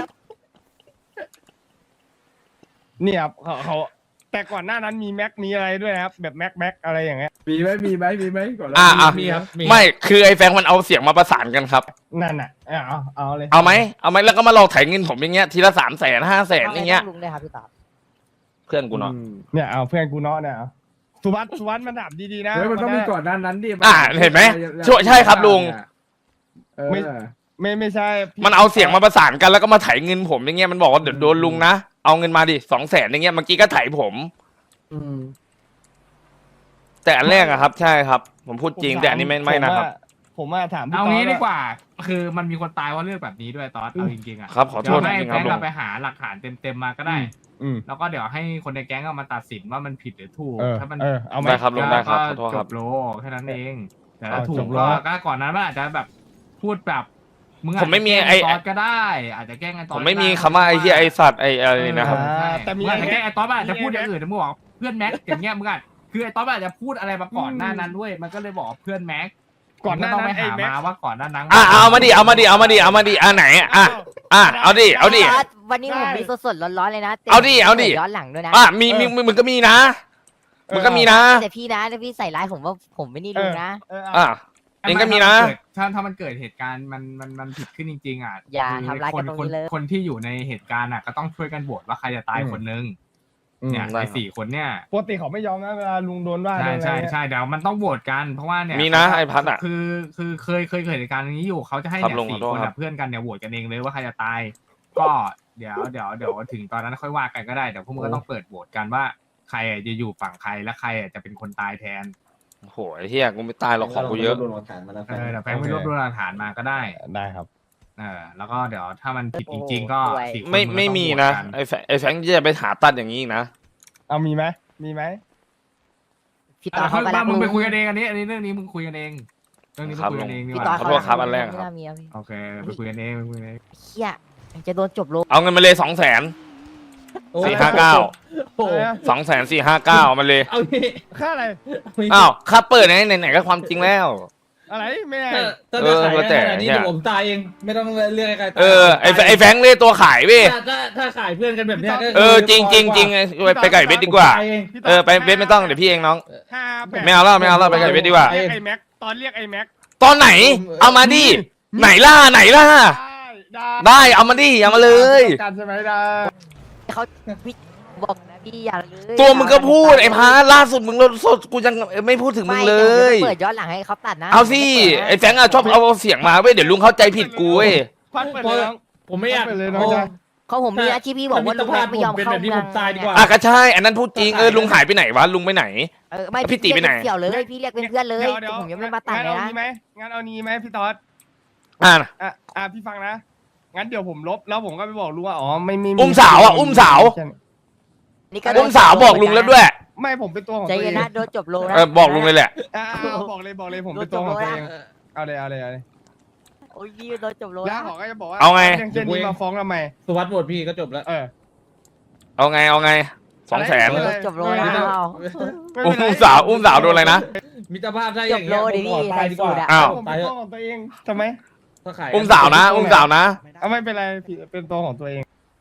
[SPEAKER 8] เนี่ยครับเขาเขาแต่ก่อนหน้านั้นมีแม็กมีอะไรด้วยนะครับ แบบแม็กแม็กอะไรอย่างเงี้ย
[SPEAKER 10] มีไหมมีไหมมีไหมก่อนแล้ว
[SPEAKER 1] อ่ะอ่ะ
[SPEAKER 7] มีครับมี
[SPEAKER 1] ไม่คือไอ้แฟงมันเอาเสียงมาประสานกันครับ
[SPEAKER 8] นั่นน่ะเอาเอาเอาเลย
[SPEAKER 1] เอาไหมเอาไหมแล้วก็มาหลอกไถเงินผมอย่างเงี้ยทีละสามแสนห้าแสน
[SPEAKER 6] ทำไม
[SPEAKER 1] อย่างเงี้
[SPEAKER 6] ต้
[SPEAKER 1] ย
[SPEAKER 6] องลุงด้วยครับพี่ต่อ
[SPEAKER 1] เพื่อนกูเนาะ
[SPEAKER 10] อืม
[SPEAKER 8] เนี่ยเอาเพื่อนกูเนาะเนี่ยเอาสุวัสดิ์สุวัสดิ์มันถามดีๆนะ
[SPEAKER 10] เฮ้ยมันต้องมีก่อนนั้นนั้นดิ
[SPEAKER 1] อ่ะเห็นไหมช่วยใช่ครับลุง
[SPEAKER 10] เออ
[SPEAKER 8] ไม่ไม่ไม่ใช่พี่
[SPEAKER 1] มันเอาเสียงมาประสานกันแล้วก็มาไถเงินผมอย่างเงี้ยมันบอกว่าเดี๋ยวโดนลุงนะเอาเงินมาดิสองแสนอย่างเงี้ยเมื่อกี้ก็ไถผม
[SPEAKER 10] อืม
[SPEAKER 1] แต่อันแรกอะครับ ใช่ครับ ผมพูดจริงแต่อันนี้ไม่ไม่นะครับ
[SPEAKER 8] ผมว่าถามพี่
[SPEAKER 2] เอา
[SPEAKER 8] ต๊
[SPEAKER 2] งี้
[SPEAKER 8] ด
[SPEAKER 2] ดีกว่า คือมันมีคนตายว่าะเรื่องแบบนี้ด้วยตอนเอาจริงๆอ่ะ
[SPEAKER 1] ครับขอโทษ
[SPEAKER 2] เดี๋ยวให้
[SPEAKER 1] จริงๆ
[SPEAKER 2] แฟ
[SPEAKER 1] ครับ
[SPEAKER 2] น
[SPEAKER 1] ลุ
[SPEAKER 2] เรา
[SPEAKER 1] ง
[SPEAKER 2] ไปหาหลักฐานเต็มๆมาก็ได้
[SPEAKER 8] อืม
[SPEAKER 2] แล้วก็เดี๋ยวให้คนในแก๊งเอามาตัดสินว่ามันผิดหรือถูก
[SPEAKER 8] เออ
[SPEAKER 2] ถ้ามัน
[SPEAKER 8] เออเอาไหม
[SPEAKER 1] ได้ครับลุงได้ครับขอโทษ
[SPEAKER 2] จ
[SPEAKER 1] ครับ
[SPEAKER 2] บโลแค่นั้นเองแต่
[SPEAKER 8] เอา
[SPEAKER 2] ถ้าถู
[SPEAKER 8] จ
[SPEAKER 2] ก
[SPEAKER 8] บโล
[SPEAKER 2] ก็ก็ก่อนนั้นมันอาจจะแบบพูดแบบมึงอาจ
[SPEAKER 1] ผมไม่มี
[SPEAKER 2] จะแกล้ง
[SPEAKER 1] ไอ้
[SPEAKER 2] ตอสก็ได้ อาจจะแกล้งไอ้ตอส
[SPEAKER 1] ผมไม่มี
[SPEAKER 2] ก็ด้
[SPEAKER 1] คำว่าไอ้ที่ไอ้สัตว์ไอ้อะไรนะครับ
[SPEAKER 2] เออใช่
[SPEAKER 8] แต่มี
[SPEAKER 2] งอาจจะแกล้งไอ้ตอสมันอาจจะ
[SPEAKER 8] มี
[SPEAKER 2] พูดอย่าง
[SPEAKER 8] ไอ้
[SPEAKER 2] อื่นนะมึงบอกเพื่อนแม็กอย่างเงี้ยมึงอาจคือไอ้ตอสมันอาจจะพูดอะไรมาก่อนหน้านั้นด้วย มันก็เลยบอกว่าเพื่อนแม็ก
[SPEAKER 8] ก่อนหน้า
[SPEAKER 2] ต้อง
[SPEAKER 8] นั้
[SPEAKER 2] ไป
[SPEAKER 8] นไอ้
[SPEAKER 2] หา
[SPEAKER 8] แม็ก
[SPEAKER 2] มาว่าก่อนหน้านั้น
[SPEAKER 1] อ่ะเอามาดิเอามาดิเอามาดิเอามาดิอ่ะไหนอ่ะอ่ะเอาดิเอาดิ
[SPEAKER 6] พี่ต๊ดวันนี้ผมมีสดๆร้อนๆเลยนะต็ม
[SPEAKER 1] เอาดิเอาดิ
[SPEAKER 6] ย้อนหลังด้วยนะ
[SPEAKER 1] อ่ะมีมีมึงก็มีนะมึงก็มีนะ
[SPEAKER 6] แต่พี่นะถ้าพี่ใส่ร้ายผมว่าผมไม่นี่ลุงนะ
[SPEAKER 8] เออเอา
[SPEAKER 1] อ่ะเองก็มีนะ
[SPEAKER 2] ถ้าถ้ามันเกิดเหตุการณ์มันมันมันผิดขึ้นจริงๆอ่ะ
[SPEAKER 6] อย่า
[SPEAKER 2] คือ
[SPEAKER 6] ทำร้าย
[SPEAKER 2] ค
[SPEAKER 6] กัน นตรง
[SPEAKER 2] คน
[SPEAKER 6] นี้เลย
[SPEAKER 2] คนที่อยู่ในเหตุการณ์อ่ะก็ต้องช่วยกันโหวตว่าใครจะตายคนนึง
[SPEAKER 8] อืม
[SPEAKER 2] เนี่ย
[SPEAKER 1] ได้
[SPEAKER 2] ใน
[SPEAKER 1] ครับ
[SPEAKER 2] สี่คนเนี่ย
[SPEAKER 8] ปกติเขาไม่ยอมนะเวลาลุงโดนว่า
[SPEAKER 2] ใช่
[SPEAKER 8] โดนอะไร
[SPEAKER 2] ใช่
[SPEAKER 8] เนี่ย
[SPEAKER 2] ใช่เดี๋ยวมันต้องโหวตกันเพราะว่าเนี่ย
[SPEAKER 1] มีนะไอ้พัดอ่ะ
[SPEAKER 2] คือคือเคยเคยเกิดเหตุการณ์อย่างนี้อยู่เขาจะให้
[SPEAKER 1] ครับ
[SPEAKER 2] เนี่ย
[SPEAKER 1] ลุง
[SPEAKER 2] สี่
[SPEAKER 1] ขอโทษ
[SPEAKER 2] คน
[SPEAKER 1] ครั
[SPEAKER 2] อะ
[SPEAKER 1] บ
[SPEAKER 2] เพื่อนกันเนี่ยโหวตกันเองเลยว่าใครจะตาย ก็เดี๋ยวเดี๋ยวเดี๋ยวถึงตอนนั้นค่อยว่ากันก็ได้เดี๋ยวพวกมึงก็ต้องเปิดโหวตกันว่าใครอะจะอยู่ฝั่งใครและใครอะจะเป็นคนตายแทน
[SPEAKER 1] โอ้โหไอ้เฮียกูไม่ตายหรอกของกูเยอะ
[SPEAKER 4] รวบรวมหลักฐานมาแล้ว
[SPEAKER 2] เออเดี๋ยวแฟงไปรวบรวมหลักฐานมาก็ได้
[SPEAKER 8] ได้ครับ
[SPEAKER 2] เออแล้วก็เดี๋ยวถ้ามันผิดจริง ๆ ก็
[SPEAKER 6] โอ้ย
[SPEAKER 2] สี่คน
[SPEAKER 1] ไม่
[SPEAKER 2] นก็
[SPEAKER 1] ไม่
[SPEAKER 2] ต้อง
[SPEAKER 1] มี
[SPEAKER 2] โหวต
[SPEAKER 1] นะ
[SPEAKER 2] กั
[SPEAKER 1] ไอ้แฟไอ้แฟงจะไปหาตัดอย่างนี้อีกนะ
[SPEAKER 8] เอามีไหมมีไหม
[SPEAKER 6] พี่
[SPEAKER 2] อ่ะ
[SPEAKER 6] ต่อเขา
[SPEAKER 2] เขา
[SPEAKER 6] ไป
[SPEAKER 2] บ้า
[SPEAKER 6] รัก
[SPEAKER 2] มึง
[SPEAKER 6] ลุง
[SPEAKER 2] ไปคุยกันเองอันนี้อันนี้เรื่องนี้มึงคุยกันเองเรื่องนี้มึงคุยกันเองดีก
[SPEAKER 6] พี่ต่อ
[SPEAKER 2] ว่า
[SPEAKER 1] ขอโทษครับอันแรก
[SPEAKER 6] ไม่น่ามีอะพี่
[SPEAKER 2] โอเคไปคุยกันเองไปคุยกันเอง
[SPEAKER 6] เฮียจะโดนจบโล
[SPEAKER 1] เอาเงินมาเลยสองแสน
[SPEAKER 7] โอ้
[SPEAKER 1] สี่ห้าเก้า
[SPEAKER 7] โอ้
[SPEAKER 8] อะไรนะ
[SPEAKER 1] สองแสนสี่ห้าเก้ามาเลย
[SPEAKER 7] เอางี้
[SPEAKER 8] ค่าอะไร
[SPEAKER 1] อ้าวค่าเปิดไหนไหนๆก็ความจริงแล้ว
[SPEAKER 8] อะไรไม่ได้
[SPEAKER 7] ถ้าถ้า
[SPEAKER 1] เอ
[SPEAKER 7] จะ
[SPEAKER 1] อ
[SPEAKER 7] ขาย
[SPEAKER 1] แล้วแต่
[SPEAKER 7] ขนาดนี้
[SPEAKER 1] เนี่ย
[SPEAKER 7] เดี๋ยวผมตายเอง ไม่ต้องเรียกใครตาย
[SPEAKER 1] เออไอ้แฟไอ้แฟงเลยตัวขายเว้ย
[SPEAKER 7] ถ้าถ้าถ้าขายเพื่อนกันแบบเนี้ยก็
[SPEAKER 1] เออจริงจริงจริงไอ้ไปไปไก่เบ็ดดีกว่า
[SPEAKER 7] ตายเอง
[SPEAKER 8] พี่ต๊
[SPEAKER 1] เออไปเบ็ดไม่ต้องเดี๋ยวพี่เองน้อง
[SPEAKER 8] ห้าแปด
[SPEAKER 1] ไม่เอาแล้วไม่เอาแล้วไปไก่เบ็ดดีกว่า
[SPEAKER 8] เรียกไอ้แม็กตอนเรียกไอ้แม็ก
[SPEAKER 1] ตอนไหน เอามาดิไหนล่ะไหนล่ะ
[SPEAKER 8] ได้ได้
[SPEAKER 1] ได้เอามาดิเอามาเลย
[SPEAKER 8] กันใช่ไหมได้
[SPEAKER 6] เขาพี่บอกนะพี่อย่าเลย
[SPEAKER 1] ตัวมึงก็พูดไอ้พาล่าสุดมึงลดสดกูยังไม่พูดถึงมึงเลย
[SPEAKER 6] ไม่ดี๋วผมจะเปิดย้อนหลังให้เขาตัดนะ
[SPEAKER 1] เอาสิไอ้แฟงอะชอบเอาเสียงมาเว้ยเดี๋ยวลุงเข้าใจผิดกูเว้ย
[SPEAKER 8] ควันเปิดเลยน้อง
[SPEAKER 7] ผมไม่อยาก
[SPEAKER 8] เอาไปเลยน้องจ๊ะ
[SPEAKER 6] เขาผมมีนะที่พี่บอกว่าลุงแม็กไม่ยอม
[SPEAKER 7] เป็น
[SPEAKER 6] เข้า
[SPEAKER 7] แบบนี้
[SPEAKER 6] เมื
[SPEAKER 7] ผ
[SPEAKER 6] อง
[SPEAKER 7] มตายดีกว่า
[SPEAKER 1] อ่ะก็ใช่อันนั้นพูดจริงเออลุงหายไปไหนวะลุงไปไหน
[SPEAKER 6] เออไม่
[SPEAKER 1] พี่ตีไปไหน
[SPEAKER 6] เสี่ยวเลยพี่เรียกเป็นเพื่อนเลย
[SPEAKER 8] ดี๋วดี๋ว
[SPEAKER 6] ผมยังไม่มาตัด
[SPEAKER 8] งั้น
[SPEAKER 6] เลย
[SPEAKER 8] เอา
[SPEAKER 6] นะ
[SPEAKER 8] นี้ไหมงั้นเอานี้ไหมพี่ต๊อด
[SPEAKER 1] อ่ะ
[SPEAKER 8] อ่ะอ่ะพี่ฟังนะงั้นเดี๋ยวผมลบแล้วผมก็ไปบอกลุงว่าอ๋อไม่ไม่
[SPEAKER 1] อุ้มสาวอ่ะอุ้มสาว
[SPEAKER 6] นี่ก็
[SPEAKER 1] อุ้มสาวบอกลุงแล้วด้วย
[SPEAKER 8] ไม่ผมเป็นตัวของ
[SPEAKER 6] ใจ
[SPEAKER 8] ตัวเอ
[SPEAKER 6] เย็น
[SPEAKER 8] ง
[SPEAKER 6] นะโดนจบโลนะ
[SPEAKER 1] เออบอกลุงเลยแหละ
[SPEAKER 8] อ่ะอ่ะบอกเลยบอกเลยผมเป็นตัวของตัวเองเอาเลยเอาเลยเอาเลย
[SPEAKER 6] โอ้ยพี่โดนจบโล
[SPEAKER 8] แล้ว
[SPEAKER 6] นะ
[SPEAKER 8] เขาก็จะบอกว่า
[SPEAKER 1] เอาไง
[SPEAKER 8] เรื่องเช่นนี้มาฟ้องทำไม
[SPEAKER 7] สุวัสดิ์โหวตพี่ก็จบแล้ว
[SPEAKER 8] เออ
[SPEAKER 1] เอาไงเอาไงสองแสน
[SPEAKER 8] อะไร
[SPEAKER 6] โดนจบโลนะ
[SPEAKER 8] ไม่เป็นไร
[SPEAKER 6] เอา
[SPEAKER 8] ไม่เป็นไร
[SPEAKER 1] อุ้มสาวอุ้มสาวโดนอะไรนะ
[SPEAKER 7] มิตรภาพได้อ
[SPEAKER 6] จ
[SPEAKER 7] ย่า
[SPEAKER 6] บ
[SPEAKER 7] ง
[SPEAKER 6] โล
[SPEAKER 7] เงี้ย
[SPEAKER 6] ดิ
[SPEAKER 7] ผมขอ
[SPEAKER 6] พี่
[SPEAKER 7] ตายดีกว่า
[SPEAKER 6] ใส่สูตรอะ
[SPEAKER 1] อ้าว
[SPEAKER 8] ผมเป็นตัวของตัวเองทำไม
[SPEAKER 7] ถ้าขาย
[SPEAKER 1] อุ้มสาวนะ อุ้มสาวนะ
[SPEAKER 8] เอาไม่เป็นไรพี่เป็นตัวของตัวเอง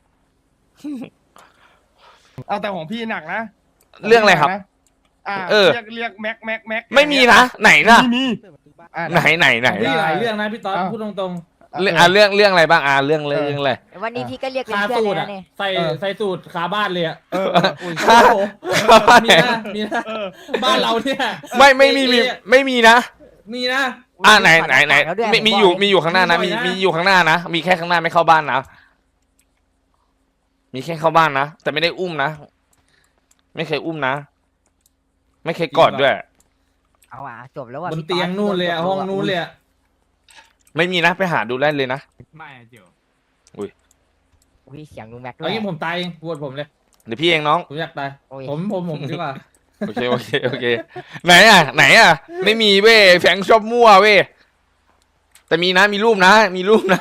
[SPEAKER 8] เอาแต่ของพี่หนักนะ
[SPEAKER 1] เรื่องอะไรครับ
[SPEAKER 8] อ่า
[SPEAKER 1] เออ
[SPEAKER 8] เรียกเรียกแม็กแม็กแม็ก
[SPEAKER 1] ไม่มีนะไหนนะ
[SPEAKER 8] ไม่มีอ่ะ
[SPEAKER 1] ไหนไหนไหน
[SPEAKER 7] พี่หลายเรื่องนะพี่ต๊อด
[SPEAKER 8] อ้าว
[SPEAKER 7] พูดตรง
[SPEAKER 1] เรื่องอ่ะเรื่องเรื่องอะไรบ้างอ่ะเรื่องเลยเรื่องอะไร
[SPEAKER 6] วันนี้พี่ก็เรียก
[SPEAKER 7] ๆ
[SPEAKER 6] เป็น
[SPEAKER 7] คา
[SPEAKER 6] เพื่อน
[SPEAKER 7] สู
[SPEAKER 6] เล
[SPEAKER 7] ต
[SPEAKER 6] ย
[SPEAKER 7] ร
[SPEAKER 6] นะ
[SPEAKER 7] อะ
[SPEAKER 6] เนี่ย
[SPEAKER 7] ใส่
[SPEAKER 8] เออ
[SPEAKER 7] ใส่สูตรขาบ้านเลยอะ
[SPEAKER 8] เออเอออุ้ย
[SPEAKER 7] โอ้โหมีนะมีนะ
[SPEAKER 8] เออ
[SPEAKER 7] บ้านเราเนี่ย
[SPEAKER 1] ไม่ไม่มีมีไม่มีนะ
[SPEAKER 7] มีนะ
[SPEAKER 1] อ่ะไหนไหนไหน
[SPEAKER 6] แล้วด้วย
[SPEAKER 1] มี
[SPEAKER 6] ผ
[SPEAKER 1] มี
[SPEAKER 6] บก
[SPEAKER 1] อยู่
[SPEAKER 6] เล
[SPEAKER 1] มีอยู่ข้างหน้านะมี
[SPEAKER 7] มีบ่อยนะ
[SPEAKER 1] มีอยู่ข้างหน้านะมีแค่ข้างหน้าไม่เข้าบ้านนะมีแค่เข้าบ้านนะแต่ไม่ได้อุ้มนะไม่เคยอุ้มนะ ไม่เคยกอดด้วย
[SPEAKER 6] เอาอ่ะจบแล้วว่ะ
[SPEAKER 7] บน
[SPEAKER 6] พี่
[SPEAKER 7] เตียงนู่นเลยอะห้องนู่นเลยอะ
[SPEAKER 1] ไม่มีนะไปหาดูได้เลยนะ
[SPEAKER 2] ไม่อะเจียว
[SPEAKER 6] อุ้ยเสียงลุงแม็กด้ว
[SPEAKER 7] เอา
[SPEAKER 6] ย
[SPEAKER 7] งี้ผมตายเองปวดผมเลย
[SPEAKER 1] เดี๋ยวพี่เองน้อง
[SPEAKER 7] ผมอยากตาย
[SPEAKER 6] โอ้ย
[SPEAKER 7] ผมผมผมดีกว่า
[SPEAKER 1] โอเคโอเคโอเคไหนอ่ะไหนอ่ะไม่มีเว้ยแฟงชอบมั่วเว้ยแต่มีนะมีรูปนะ มีรูปนะ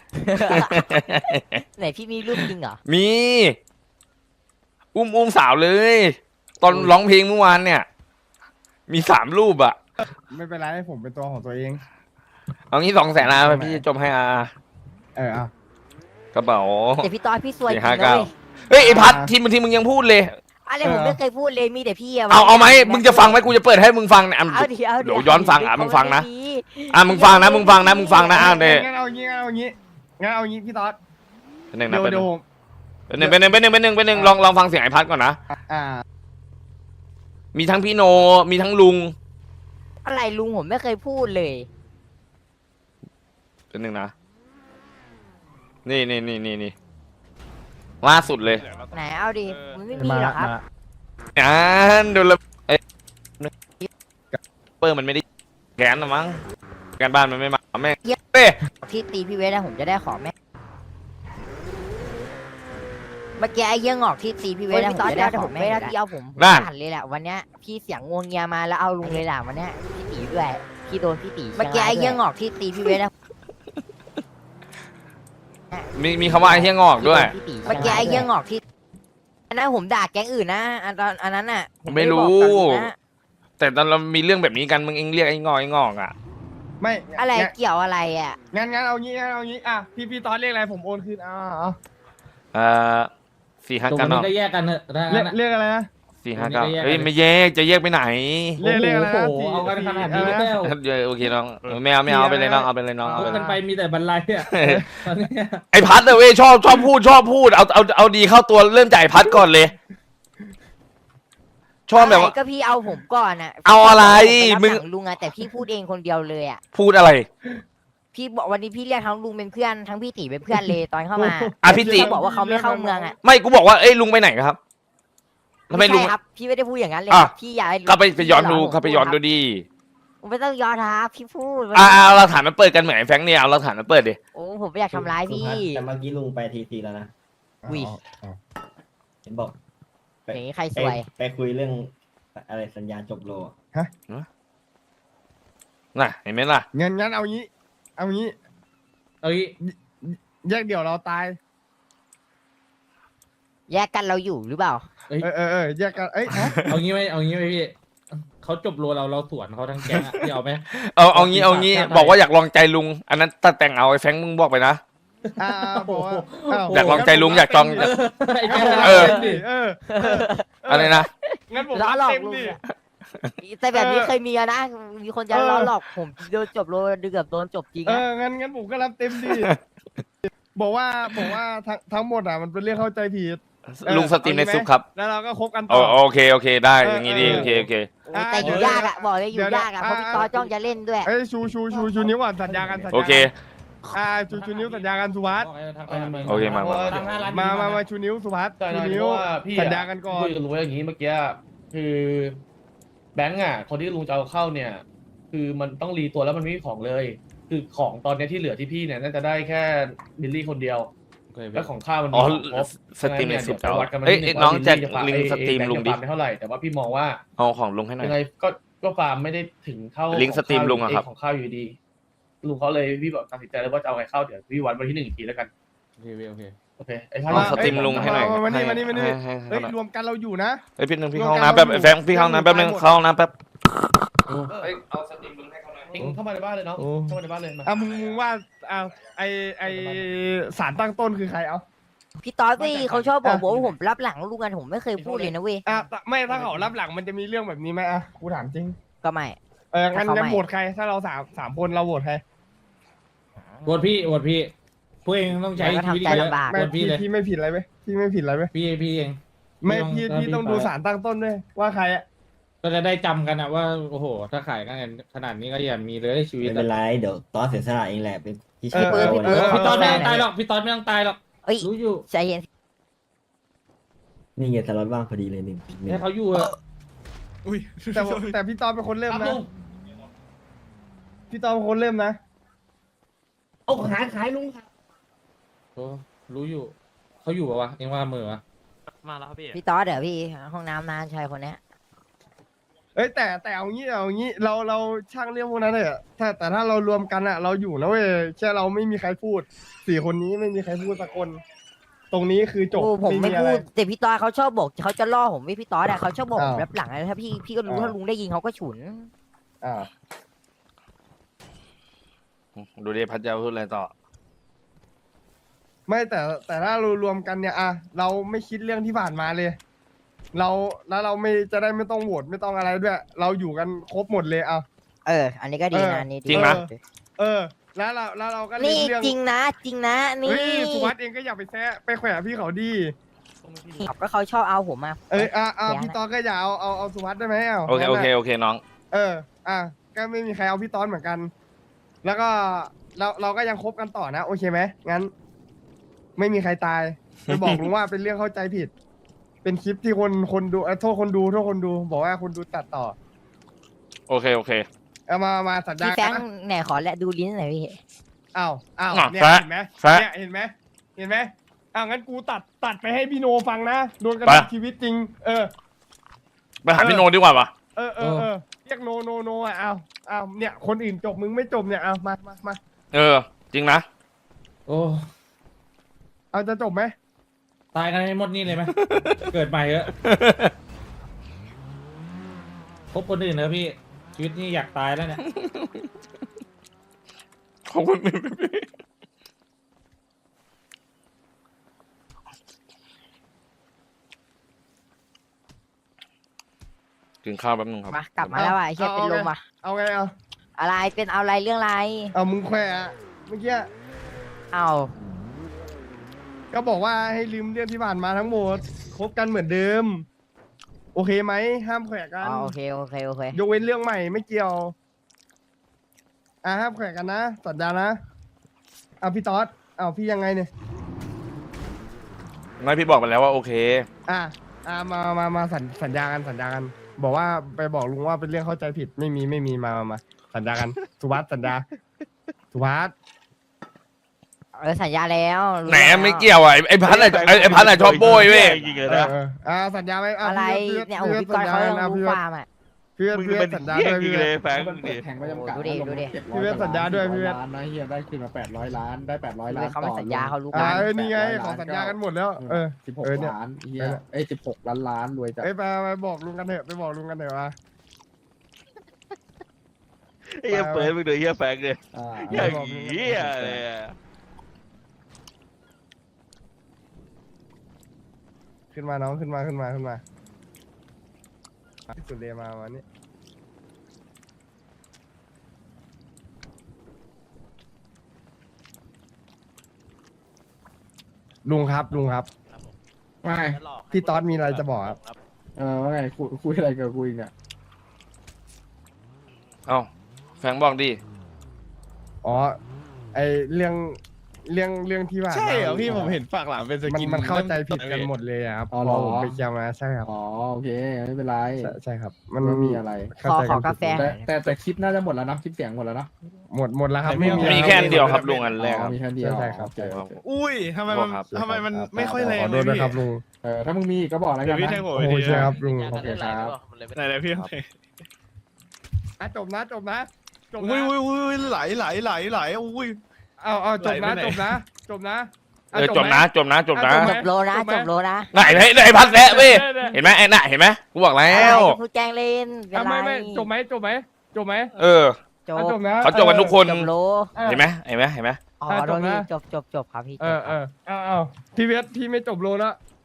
[SPEAKER 6] ไหนพี่มีรูปจริงเหรอ
[SPEAKER 1] มี อุ้มอุ้มสาวเลย ตอนร้องเพลงเมื่อวานเนี่ย มีสามรูปอ่ะ
[SPEAKER 8] ไม่เป็นไรให้ผมเป็นตัวของตัวเอง
[SPEAKER 1] เอางี้สองแสนอาพี่จะจบให้อา
[SPEAKER 8] เออเอา
[SPEAKER 1] กระเป๋า
[SPEAKER 6] แต่พี่ต้อยพี่ซวยจริง
[SPEAKER 1] สี่ห้า
[SPEAKER 6] นะ
[SPEAKER 1] เก้า
[SPEAKER 6] เว้ย
[SPEAKER 1] เฮ้ยไอพัดทีมทีมึงยังพูดเลย
[SPEAKER 6] อะไรผมไม่เคยพูดเลยมีแต่พี่อะ
[SPEAKER 1] เอาเอาไหมมึงจะฟังไหมกูจะเปิดให้มึงฟังเนี่ยอ่ะ
[SPEAKER 6] เอาดิเอา
[SPEAKER 1] เดี๋ยวย้อนฟังอ่ะมึงฟังนะ
[SPEAKER 6] เขาไม่มี
[SPEAKER 1] อ่ะมึงฟังนะมึงฟังนะมึงฟังนะอ่ะเดี๋ยว
[SPEAKER 8] งั้นเอางี้งั้นเอางี้งั้นเอางี้พี่ต๊อด
[SPEAKER 1] เป็นหนึ่ง
[SPEAKER 8] เดี๋
[SPEAKER 1] นะ
[SPEAKER 8] ยว
[SPEAKER 1] เป็นห
[SPEAKER 8] เดี๋
[SPEAKER 1] นึ่
[SPEAKER 8] ยว
[SPEAKER 1] งเป็นหนึ่งเป็นหนึ่งเป็นหนึ่งเป็นหนึ่งเป็นหนึ่งลองลองฟังเสียงไอพัดก่อนนะ
[SPEAKER 8] อ่า
[SPEAKER 1] มีทั้งพี่โนมีทั้งลุง
[SPEAKER 6] อะไรลุงผมไม่เคยพูดเลย
[SPEAKER 1] เป็นหนึ่งนะนี่นี่นี่นี่นี่ล่าสุดเลย
[SPEAKER 6] ไหนเอาดิมันไม่มีหรอกครับ
[SPEAKER 1] อ่านดูแลเอ้ยเปอร์มันไม่ได้แกนนะมั้งแกนบ้านมันไม่มาแม่งเอ้ย
[SPEAKER 6] ที่ตีพี่เวทนะผมจะได้ของแม่เมื่อกี้ไอ้เยี่ยงอกที่ตีพี่เวทนะผมจะได้ของแม่พี่เอาผมผมหันเลยแหละวันเนี้ยพี่เสียงงวงเงียมาแล้วเอาลุงเลยแหละวันเนี้ยพี่ตีด้วยพี่โดนพี่ตีเมื่อกี้ไอ้เยี่ยงอกที่ตีพี่เวทนะ
[SPEAKER 1] มีมีคำว่าไอ้เหี้ยงอกด้วย
[SPEAKER 6] พี่ตีเมื่อกี้ไอ้เยี่ยงอกที่อันนั้นผมด่าแก๊งอื่นนะอันตอนอันนั้นน่ะผ
[SPEAKER 1] ไม่
[SPEAKER 6] ด้
[SPEAKER 1] รู้
[SPEAKER 6] บอกกับลุงนะ
[SPEAKER 1] แต่ตอนเรามีเรื่องแบบนี้กันมึงเองเรียกไอ้งอกไอ้งอกอ่ะ
[SPEAKER 8] ไม่
[SPEAKER 6] อะไร
[SPEAKER 8] งั้น
[SPEAKER 6] เกี่ยวอะไรอ่ะ
[SPEAKER 8] งั้นงั้นเอางี้งั้นเอางี้อ่ะพี่พี่ต๊อดเรียกอะไรผมโอนคืนอ่าเอา
[SPEAKER 1] เอ่อสี่ห้า
[SPEAKER 7] ตรง
[SPEAKER 1] เก้า
[SPEAKER 7] นี้
[SPEAKER 1] เนาะ
[SPEAKER 7] ก็แยกกันเถอะถ้า
[SPEAKER 8] เรีย
[SPEAKER 7] งั้
[SPEAKER 8] ก
[SPEAKER 7] นอะ
[SPEAKER 8] เรียกอะไรนะ
[SPEAKER 1] สี่ห้าเก้า
[SPEAKER 7] ตรงนี้ก็แยก
[SPEAKER 1] เฮ้ยไม่แยกจะแยกไปไหน
[SPEAKER 8] เรียกเรียกอะไรนะ
[SPEAKER 7] โอ้โห
[SPEAKER 8] สี่
[SPEAKER 7] เอากันขนาดนี้
[SPEAKER 8] สี่
[SPEAKER 7] แล้ว
[SPEAKER 1] เดี๋ยวโอเคน้องเออไม่เอาไม่เอาเอาไปเลยน้องเอาไปเลยน้องเอา
[SPEAKER 7] เอา
[SPEAKER 1] ไปเล
[SPEAKER 7] กั
[SPEAKER 1] ย
[SPEAKER 7] นไปมีแต่บรรลัยอะตอนเนี้ย
[SPEAKER 1] ไอ้พัดเลยเว้ยชอบชอบพูดชอบพูดเอาเอาเอาดีเข้าตัวเริ่มจากไอ้พัดก่อนเลย ชอบแบบว่า
[SPEAKER 6] ะไรก็พี่เอาผมก่อนอ่ะ
[SPEAKER 1] เอาอะไร
[SPEAKER 6] มึ
[SPEAKER 1] มึ
[SPEAKER 6] ง
[SPEAKER 1] ง
[SPEAKER 6] ลุงอะแต่พี่พูดเองคนเดียวเลยอ่ะ
[SPEAKER 1] พูดอะไร
[SPEAKER 6] พี่บอกวันนี้พี่เรียกทั้งลุงเป็นเพื่อนทั้งพี่ตีเป็นเพื่อนเลยตอนเข้ามา
[SPEAKER 1] อ่ะพี่ติ
[SPEAKER 6] เขาบอกว่าเขาไม่เข้าเมืองอ่ะ
[SPEAKER 1] ไม่กูบอกว่าเอ้ยลุงไปไหนครับทำไม
[SPEAKER 6] ไม่
[SPEAKER 1] ลุง
[SPEAKER 6] ใช่ครับพี่ไม่ได้พูดอย่างนั้นเลย
[SPEAKER 1] อ่ะ
[SPEAKER 6] ครับพี่อย่าให้
[SPEAKER 1] ก็ไปไปย้อนดู
[SPEAKER 6] พี่
[SPEAKER 1] ก็ไปย้อนดูดิ
[SPEAKER 6] ผมไม่ต้องย้อนครับพี่พูด
[SPEAKER 1] อ่าเอาหลักฐานมาเปิดกันเหมือนไอ้แฟงค์เนี่ยเอาหลักฐานมาเปิดดิ
[SPEAKER 6] โอ้ผมไม่อยากทำร้ายพี่
[SPEAKER 4] แต่เมื่อกี้ลุงไปทีทีแล้วนะ
[SPEAKER 6] อุ้ย
[SPEAKER 4] เห็นบอก
[SPEAKER 6] อย่างนี้ใครส
[SPEAKER 4] ไป
[SPEAKER 6] วย
[SPEAKER 4] ไปคุยเรื่องอะไรสัญญาจบโลอะ
[SPEAKER 1] น่ะเห็นไหมล่ะ
[SPEAKER 8] งั้นงั้นเอางี้ เอางี้
[SPEAKER 7] เอางี้
[SPEAKER 8] แยกเดี่ยวเราตาย
[SPEAKER 6] แยกกันเราอยู่หรือเปล่า
[SPEAKER 8] เออเออเออแยกกันเอ้ยฮะ
[SPEAKER 7] เอางี้ไหมเอางี้ไหมพี่เขาจบโลเราเราสวนเขาทั้งแก๊งอะพี่เอาไหม
[SPEAKER 1] เอาเอางี้เอางี้
[SPEAKER 7] ได้
[SPEAKER 1] บอกว่าอยากลองใจลุง อันนั้นตัดแต่งเอาไอ้แฟงค์มึงบอกไปนะ
[SPEAKER 8] อ่าบอกว่าาว
[SPEAKER 1] อยากลองใจลุงอยากจอง
[SPEAKER 7] เออไอ้แก๊ง
[SPEAKER 1] เออ
[SPEAKER 8] ดิเออเออ
[SPEAKER 1] อะไรนะ
[SPEAKER 8] งั้นผม
[SPEAKER 6] ล้อ
[SPEAKER 8] รับ
[SPEAKER 6] หลอก
[SPEAKER 8] เต็ม
[SPEAKER 6] ลุง
[SPEAKER 8] ดิ
[SPEAKER 6] อะแต่แบบนี้
[SPEAKER 8] เออ
[SPEAKER 6] เคยมีอะนะ มีคนจะ
[SPEAKER 8] เออ
[SPEAKER 6] ล้อหลอกผมโดนจบโลเดือบโดนจบจริง
[SPEAKER 8] เอ
[SPEAKER 6] อะ
[SPEAKER 8] องั้นงั้นผมก็รับเต็มดิบอกว่าบอกว่าทั้งทั้งหมดอ่ะมันเป็นเรื่องเข้าใจผิด เออ
[SPEAKER 1] ลุงสตรีมใน
[SPEAKER 8] เอางี้ไหม
[SPEAKER 1] ซุปครับ
[SPEAKER 8] แล้วเราก็คบกัน
[SPEAKER 1] โอ
[SPEAKER 8] ต่อ
[SPEAKER 1] โอเคโอเคได้
[SPEAKER 8] เออ
[SPEAKER 1] อย่างงี้ดี
[SPEAKER 8] เออ
[SPEAKER 1] โอเคโอเค
[SPEAKER 6] โอ้ยแต่อยู่
[SPEAKER 8] เดี๋ยวย
[SPEAKER 6] ากอะบอกเลยอยู่
[SPEAKER 8] เดี๋ยวย
[SPEAKER 6] ากอะ
[SPEAKER 8] อ่า
[SPEAKER 6] เพราะพี่ต่อจ้องจะเล่นด้วย
[SPEAKER 8] เอ้ยชูชูชูชูนิ้วก่อนสัญญากันสัญญา
[SPEAKER 1] โอเค
[SPEAKER 8] อ่าชูชูนิ้วสัญญากันสุภัส
[SPEAKER 1] โอเคมามา
[SPEAKER 8] มามามาชูนิ้วสุภัส
[SPEAKER 11] ใช่
[SPEAKER 8] ชู
[SPEAKER 11] นะ
[SPEAKER 8] นิ้ว
[SPEAKER 11] เพราะว่าพี่
[SPEAKER 8] สัญญากันก่อน
[SPEAKER 11] คุยกับลุงไว้อย่างนี้เมื่อกี้คือแบงก์อ่ะ คนที่ลุงจะเอาเข้าเนี่ย คือมันต้องรีตัวแล้วมันไม่มีของเลย คือของตอนเนี้ยที่เหลือที่พี่เนี่ยน่าจะได้แค่บิลลี่คนเดียวแล้วของข้าวมัน
[SPEAKER 1] อ๋อ
[SPEAKER 11] มีของครบ
[SPEAKER 1] สตรีมในซุป
[SPEAKER 11] เดี๋ยวไปวัดกันวัน
[SPEAKER 1] เอ้ย
[SPEAKER 11] ที่ห
[SPEAKER 1] เอ้ยน้อง
[SPEAKER 11] ว่า
[SPEAKER 1] แจ็ค
[SPEAKER 11] บิลลี่จะฟา
[SPEAKER 1] ลิงก์สตรีม
[SPEAKER 11] เอ้ย
[SPEAKER 1] ลุงดิ
[SPEAKER 11] แบค์จะฟาร์มไม่เท่าไหร่แต่ว่าพี่มองว่า
[SPEAKER 1] เอาของลุงให้หน่อย
[SPEAKER 11] ยังไงก็ก็ฟาร์มไม่ได้ถึงเท่า
[SPEAKER 1] ลิงก์สตรีมลุงอะครับ
[SPEAKER 11] ของข้าวอยู่ดีลุงเขาเลยพี่บอกตัดสินใจแล้วว่าจะเอาไงเข้าเดี๋ยวพี่วัดวันที่หนึ่งอีกทีแล้วกัน
[SPEAKER 7] โอเคโอเค
[SPEAKER 11] โอเคไอ้ท่าน
[SPEAKER 1] เอาสตรีมลุงให้หน่อย
[SPEAKER 8] มามานี่
[SPEAKER 1] ให้
[SPEAKER 8] มานี่มานี่
[SPEAKER 1] ให้ให้
[SPEAKER 8] เฮ้ย
[SPEAKER 1] ให้หน่อย
[SPEAKER 8] รวมกันเราอยู่นะ
[SPEAKER 1] เฮ้ยพี่หนึงพี่
[SPEAKER 8] รวม
[SPEAKER 1] เข้าห้อง
[SPEAKER 8] กัน
[SPEAKER 1] น้ำแป๊บ
[SPEAKER 8] เราอยู่
[SPEAKER 1] แฟงพี่เข้าห้องน้ำแป๊บนึง
[SPEAKER 8] หมด
[SPEAKER 1] เข้าห้องน้ำแป๊บ
[SPEAKER 11] เออ
[SPEAKER 1] เฮ้ยเอาสตรีมลุงให้เขาหน่อย
[SPEAKER 11] ทิ้งเข้ามาในบ้านเลยเนาะ
[SPEAKER 8] โอ้
[SPEAKER 11] เข้ามาในบ้านเลยมา
[SPEAKER 8] อ่ะมึงมึงว่าอ่าไอไอสารตั้งต้นคือใครเอา
[SPEAKER 6] พี่ต่อสิเขาชอบบอก
[SPEAKER 8] อ่ะ
[SPEAKER 6] ว่าผมรับหลังลุงกันผมไม่เคยพูดเลยนะเว้ย
[SPEAKER 8] อ่ะไม่ถ้าเขารับหลังมันจะมีเรื่องแบบนี้ไหมอ่ะกูถามจริง
[SPEAKER 6] ก็ไม่
[SPEAKER 8] เอองั้น
[SPEAKER 6] ถ้าเขา
[SPEAKER 8] งั้น
[SPEAKER 6] ไม่
[SPEAKER 8] โหวตใคร ถ้าเราสามสามคนเราโหวตใคร
[SPEAKER 7] โหวตพี่โหวตพี่พวกเองต้องใช้
[SPEAKER 6] แล้วก็
[SPEAKER 7] ชีวิต
[SPEAKER 6] ทำใจ
[SPEAKER 7] เยอะ
[SPEAKER 6] ลำบาก
[SPEAKER 7] โห
[SPEAKER 8] ไม่
[SPEAKER 7] วตพี่
[SPEAKER 8] พี่
[SPEAKER 7] เลย
[SPEAKER 8] พี่ไม่ผิดอะไรไหมพี่ไม่ผิดอะไรไหม
[SPEAKER 7] พี่พี่เอง
[SPEAKER 8] ไม่
[SPEAKER 7] พี่
[SPEAKER 8] พี่
[SPEAKER 7] ต้อง
[SPEAKER 8] พี่ต้องดู
[SPEAKER 7] พี่ไป
[SPEAKER 8] สารตั้งต้นด้วยว่าใครอ่ะ
[SPEAKER 7] ก็จะได้จำกันอะว่าโอ้โห ถ้าขายกันขนาดนี้ก็อย่ามีเลยชีวิต
[SPEAKER 4] ไม่เป็นไรเดี๋ยวตอนเสียสละเองแหละเป็นพี่
[SPEAKER 8] เอ
[SPEAKER 4] ชาย
[SPEAKER 8] อเออ
[SPEAKER 4] เรา
[SPEAKER 8] เออ
[SPEAKER 4] นะ
[SPEAKER 7] พี่ตอนไม่ต้องตายหรอกพี่ตอนไม่ต้องตายหรอก
[SPEAKER 6] เอ้ย
[SPEAKER 7] รู้อยู่
[SPEAKER 6] ใจเย็น
[SPEAKER 4] นี่ไงสล็อตว่างพอดีเลยหนึ่งหนึ่ง
[SPEAKER 7] ให้เขาอยู่เถอะ
[SPEAKER 8] แต่ว่าแต่พี่ตอนเป็นคนเริ่ม
[SPEAKER 11] ครับ
[SPEAKER 8] นะ
[SPEAKER 11] ลุง
[SPEAKER 8] พี่ตอมเป็นคนเริ่มนะ
[SPEAKER 10] เอาขายขายลุงครับ
[SPEAKER 7] โอ้รู้อยู่ เขาอยู่ปะวะเองว่ามือวะ
[SPEAKER 5] มาแล้วพี่
[SPEAKER 6] พี่ต๊อดเดี๋ยวพี่ห้องน้ำนานชายคนเนี้ย
[SPEAKER 8] เอ้ยแต่แต่เอางี้เอางี้เราเราช่างเรื่องพวกนั้นเลยอะถ้าแต่ถ้าเรารวมกันอะเราอยู่นะเว้ยแค่เราไม่มีใครพูดสี่คนนี้ไม่มีใครพูดสักคน ตรงนี้คือจบ
[SPEAKER 6] โอ้ผมไม่
[SPEAKER 8] อะ
[SPEAKER 6] พู
[SPEAKER 8] ร
[SPEAKER 6] ดแต่พี่ต๊อดเขาชอบบอกเขาจะล่อผมไม่พี่ต๊อดอะเขาชอบบอกผม
[SPEAKER 8] อ้าว
[SPEAKER 6] รับหลังนะถ้าพี่พี่ก็รู้
[SPEAKER 8] อ้าว
[SPEAKER 6] ถ้าลุงได้ยินเขาก็ฉุน
[SPEAKER 8] อ่า
[SPEAKER 1] ดูดิพัดจะพูดอะไรต่อ
[SPEAKER 8] ไม่แต่แต่ถ้าเรารวมกันเนี่ยอะเราไม่คิดเรื่องที่ผ่านมาเลย เราแล้วเราไม่จะได้ไม่ต้องโหวตไม่ต้องอะไรด้วย เราอยู่กันครบหมดเลยเอา
[SPEAKER 6] เออ อันนี้ก็ดี
[SPEAKER 8] เออ
[SPEAKER 6] นะอันนี่ดี
[SPEAKER 1] จริงไหม
[SPEAKER 8] เออ แล้วเราแล้วเราก็เล่
[SPEAKER 6] นี่
[SPEAKER 8] นเรื่อง
[SPEAKER 6] จริงนะ จริงนะนี่
[SPEAKER 8] เฮ้ยสุวัสด์เองก็อย่าไปแซะไปแขวะพี่เขาดี
[SPEAKER 6] ก็เขาชอบเอาผมมา
[SPEAKER 8] เอออ่ะอ่ะ
[SPEAKER 6] แขวะ
[SPEAKER 8] พี่ตอนก็อย่าเอาเอาเอาสุวัสด์ได้ไหมเอา
[SPEAKER 1] โอเคโอเคโอเคน้อง
[SPEAKER 8] เออ อ่ะก็ไม่มีใครเอาพี่ตอนเหมือนกัน แล้วก็เราเราก็ยังคบกันต่อนะโอเคไหมงั้น ไม่มีใครตายไปบอกลุงว่าเป็นเรื่องเข้าใจผิด เป็นคลิปที่คนคนดูเอ่อโทษคนดูโทษคนดู บอกว่าคนดูตัดต่อ
[SPEAKER 1] โอเคโอเค
[SPEAKER 8] เอามามาสัญญา
[SPEAKER 6] พี่แฟ
[SPEAKER 8] กั
[SPEAKER 6] ง
[SPEAKER 8] นนะ
[SPEAKER 6] ไหนขอและดูลิ้นหน่อยพี่
[SPEAKER 8] อ้าวอ้าว
[SPEAKER 1] อ่ะ
[SPEAKER 8] เนี่ย
[SPEAKER 1] แฟะ
[SPEAKER 8] เห็นไหม
[SPEAKER 1] แฟะ
[SPEAKER 8] เนี่ยเห็นไหมเห็นไหมอ้าวงั้นกูตัดตัดไปให้พี่โนฟังนะโดนกัน
[SPEAKER 1] ไป
[SPEAKER 8] ชีวิตจริง เออ
[SPEAKER 1] ไปหาพี่โนดีกว่าปะ
[SPEAKER 8] เออเออเออเรียกโนโนโนอ่ะเอาเอาเนี่ยคนอื่นจบมึงไม่จบเนี่ยเอามามามา
[SPEAKER 1] เออ จริงนะ
[SPEAKER 7] โอ้
[SPEAKER 8] เอาจะจบไหม
[SPEAKER 7] ตายกันให้หมดนี่เลยไหม เกิดใหม่เถอะพบคนอื่นเถอะพี่ ชีวิตนี่อยากตายแล้วเนี่ย
[SPEAKER 1] ขอบคุณพี่กินข้าวแป๊บนึงครับ
[SPEAKER 6] มากลับมาแล้วอ่ะไอ้เชี่ยเป็นลมอ่ะ
[SPEAKER 8] เอาไงเอา
[SPEAKER 6] อะไรเป็นเอาอะไรเรื่องอะไร
[SPEAKER 8] เอามึงแขวะเมื่อกี้
[SPEAKER 6] เอา
[SPEAKER 8] ก็บอกว่าให้ลืมเรื่องที่ผ่านมาทั้งหมดคบกันเหมือนเดิม โอเคไหมห้ามแขวะกัน
[SPEAKER 6] อ๋อโอเคโอเคโอเค
[SPEAKER 8] ยกเว้นเรื่องใหม่ไม่เกี่ยวอ่ะห้ามแขวะกันนะสัญญานะเอาพี่ต๊อดเอาพี่ยังไงเนี่ย
[SPEAKER 1] ไม่พี่บอกไปแล้วว่าโอเค
[SPEAKER 8] อ่ะอ่ะมามามาสัญสัญญากันสัญญากัน บอกว่าไปบอกลุงว่าเป็นเรื่องเข้าใจผิดไม่มีไม่มีมามามาสัญญากันสุวัสด์สัญญาสุวัสด์
[SPEAKER 6] เออสัญญาแล้วรู้
[SPEAKER 1] แหน
[SPEAKER 6] แล้ว
[SPEAKER 1] ไม่เกี่ยวอ่ะไอ้ไอ้พัดอะไอ้ไอ้พัดอะชอบโบยเว้ย
[SPEAKER 5] จริงๆเลย
[SPEAKER 8] เออ
[SPEAKER 5] นะ
[SPEAKER 8] เอออ่าสัญญาไหมอ่ะ
[SPEAKER 6] อะไร
[SPEAKER 8] พี่
[SPEAKER 6] เนี่ยโอ้โห
[SPEAKER 8] พี่
[SPEAKER 6] พี่ก้อย
[SPEAKER 8] สัญญา
[SPEAKER 6] เขายัง
[SPEAKER 8] นะ
[SPEAKER 6] รู้
[SPEAKER 8] พี่
[SPEAKER 6] ความอ่ะ
[SPEAKER 8] พี่
[SPEAKER 5] มึง
[SPEAKER 8] พี่
[SPEAKER 5] เป็น
[SPEAKER 8] สัญญา
[SPEAKER 5] เหี้ย
[SPEAKER 8] ด้วย
[SPEAKER 5] จริ
[SPEAKER 8] พี่
[SPEAKER 5] งเลยแฟง
[SPEAKER 10] มัน
[SPEAKER 5] มึง
[SPEAKER 10] เปิ
[SPEAKER 5] ดิ
[SPEAKER 10] ดแข่งไปจำกัด
[SPEAKER 6] ดูดิดูดิ
[SPEAKER 10] เจ็ดร้
[SPEAKER 8] พี่
[SPEAKER 10] อย
[SPEAKER 8] เวทสัญญาด้วยพี่เวท
[SPEAKER 10] ล้านนะเฮียได้คืนมาแปดร้อยล้านได้แปดร้อยล้าน
[SPEAKER 6] เขาไม่
[SPEAKER 10] ต่อ
[SPEAKER 6] สัญญาเขารู้
[SPEAKER 8] อ่า
[SPEAKER 6] กัน
[SPEAKER 8] เออนี่ไงขอสัญญากันหมดแล้ว เออ
[SPEAKER 10] สิบหก
[SPEAKER 8] เออเนี่ย
[SPEAKER 10] ล้านเฮียเอ้ยสิบหกล้านล้านรวยจัด
[SPEAKER 8] เอ้ยไปไปบอกลุงกันเถอะไปบอกลุงกันเถอะว่า
[SPEAKER 5] ไอ้เหี้ยเปิดมึงดูไอ้เหี้ยแฟงเลย
[SPEAKER 10] อ่า
[SPEAKER 5] อย่างเหี้ยเลยอะ
[SPEAKER 8] ขึ้นมาน้องขึ้นมาขึ้นมาขึ้นมาที่สุดเลยมาวันนี้ลุงครับลุงครับ
[SPEAKER 10] ไม่
[SPEAKER 8] พี่ต๊อดมีอะไรจะบอกครับ
[SPEAKER 10] เออว่าไงคุยคุยอะไรกับคุยเนี่ย
[SPEAKER 1] เอ้าแฟงบอกดิ
[SPEAKER 8] อ๋อไอเรื่องเรื่องเรื่องที่ว่า
[SPEAKER 3] ใช่เหรอพี่ผมเห็นฝากหลังเป็นส
[SPEAKER 8] มัน
[SPEAKER 3] กิน
[SPEAKER 8] มันเข้าใจผิดกันหมดเลยอะครับพอผมไปเคลียร์มาใช่ครับ
[SPEAKER 10] อ๋อโอเคไม่เป็นไร
[SPEAKER 8] ใช่ใช่ครับ มัน
[SPEAKER 10] ไม่มีอะไร
[SPEAKER 8] เข้า
[SPEAKER 6] ขอ
[SPEAKER 8] ใจ
[SPEAKER 6] ข
[SPEAKER 8] กั
[SPEAKER 6] อน กาแฟ
[SPEAKER 8] ผิด
[SPEAKER 10] แต่แต่แต่คลิปน่าจะหมดแล้วนะคลิปเสียงหมดแล้วเนอะ
[SPEAKER 8] หมดหมดแล้วครับ
[SPEAKER 3] ไม่
[SPEAKER 8] ไม่
[SPEAKER 3] มี
[SPEAKER 8] มี
[SPEAKER 1] มีแค่อันเดียวครับลุงอันแรก
[SPEAKER 10] อ๋
[SPEAKER 1] ค
[SPEAKER 10] อ
[SPEAKER 1] รับ
[SPEAKER 10] มีแค่เดียว
[SPEAKER 8] ใช่ครับ
[SPEAKER 10] โอเคโอเค
[SPEAKER 3] อุ้ยทำไมมัน
[SPEAKER 1] ครับ
[SPEAKER 3] ทำไมมัน
[SPEAKER 10] ครับ
[SPEAKER 3] ไม่ค่อยแรง
[SPEAKER 8] ขอ
[SPEAKER 3] เล
[SPEAKER 8] โท
[SPEAKER 3] ย
[SPEAKER 8] ษด้วย
[SPEAKER 3] พี่
[SPEAKER 8] ครับลุง
[SPEAKER 10] เออถ้ามึงมีอีกก็บอกแล้ว
[SPEAKER 3] เดี๋
[SPEAKER 10] กั
[SPEAKER 3] ยวน พี่
[SPEAKER 10] นะ
[SPEAKER 3] แทงผม
[SPEAKER 8] โอ้
[SPEAKER 3] ไป
[SPEAKER 8] โห
[SPEAKER 3] ที
[SPEAKER 8] ใช่
[SPEAKER 3] เดียว
[SPEAKER 8] ครับลุง
[SPEAKER 10] โอเคครับ
[SPEAKER 3] ไหนไหนพี่
[SPEAKER 8] อ่ะจบนะจบนะจบ
[SPEAKER 3] อุ้ย
[SPEAKER 8] นะ
[SPEAKER 3] อุ้ยอุ้ยไหลไหลไหลไหลอุ้ย
[SPEAKER 8] เอาเอาจบนะ
[SPEAKER 3] ไหลไปไหน
[SPEAKER 8] จบนะจบนะ
[SPEAKER 1] เออจบนะจบนะจบนะ
[SPEAKER 8] อ่ะ
[SPEAKER 6] จบโลนะจบโลนะ
[SPEAKER 1] ไหนไหนไหนพัดแซะเว้ยเห็นไหมไอ้น่ะเห็นไหมกูบอกแล้
[SPEAKER 6] อะไร
[SPEAKER 1] ว
[SPEAKER 6] จะพูดแกล้งเล่นเป็น
[SPEAKER 8] อ่ะ
[SPEAKER 6] ไร
[SPEAKER 8] ไม่ไม่จบไหมจบไหมจบไหม
[SPEAKER 1] เออ
[SPEAKER 6] จ
[SPEAKER 8] อ่ะ
[SPEAKER 6] บ
[SPEAKER 8] จบนะ
[SPEAKER 1] เขาจบกันทุกคน
[SPEAKER 6] จบโล
[SPEAKER 8] ออ
[SPEAKER 1] เห็นไหมเห็นไหมเห็นไหม
[SPEAKER 6] อ๋อ
[SPEAKER 8] อ่ะ
[SPEAKER 6] โดน
[SPEAKER 8] จบนะ
[SPEAKER 6] จบจบจบครับพี่
[SPEAKER 8] เออเออเอาเอาพี่เวทพี่ไม่จบโลแล้ว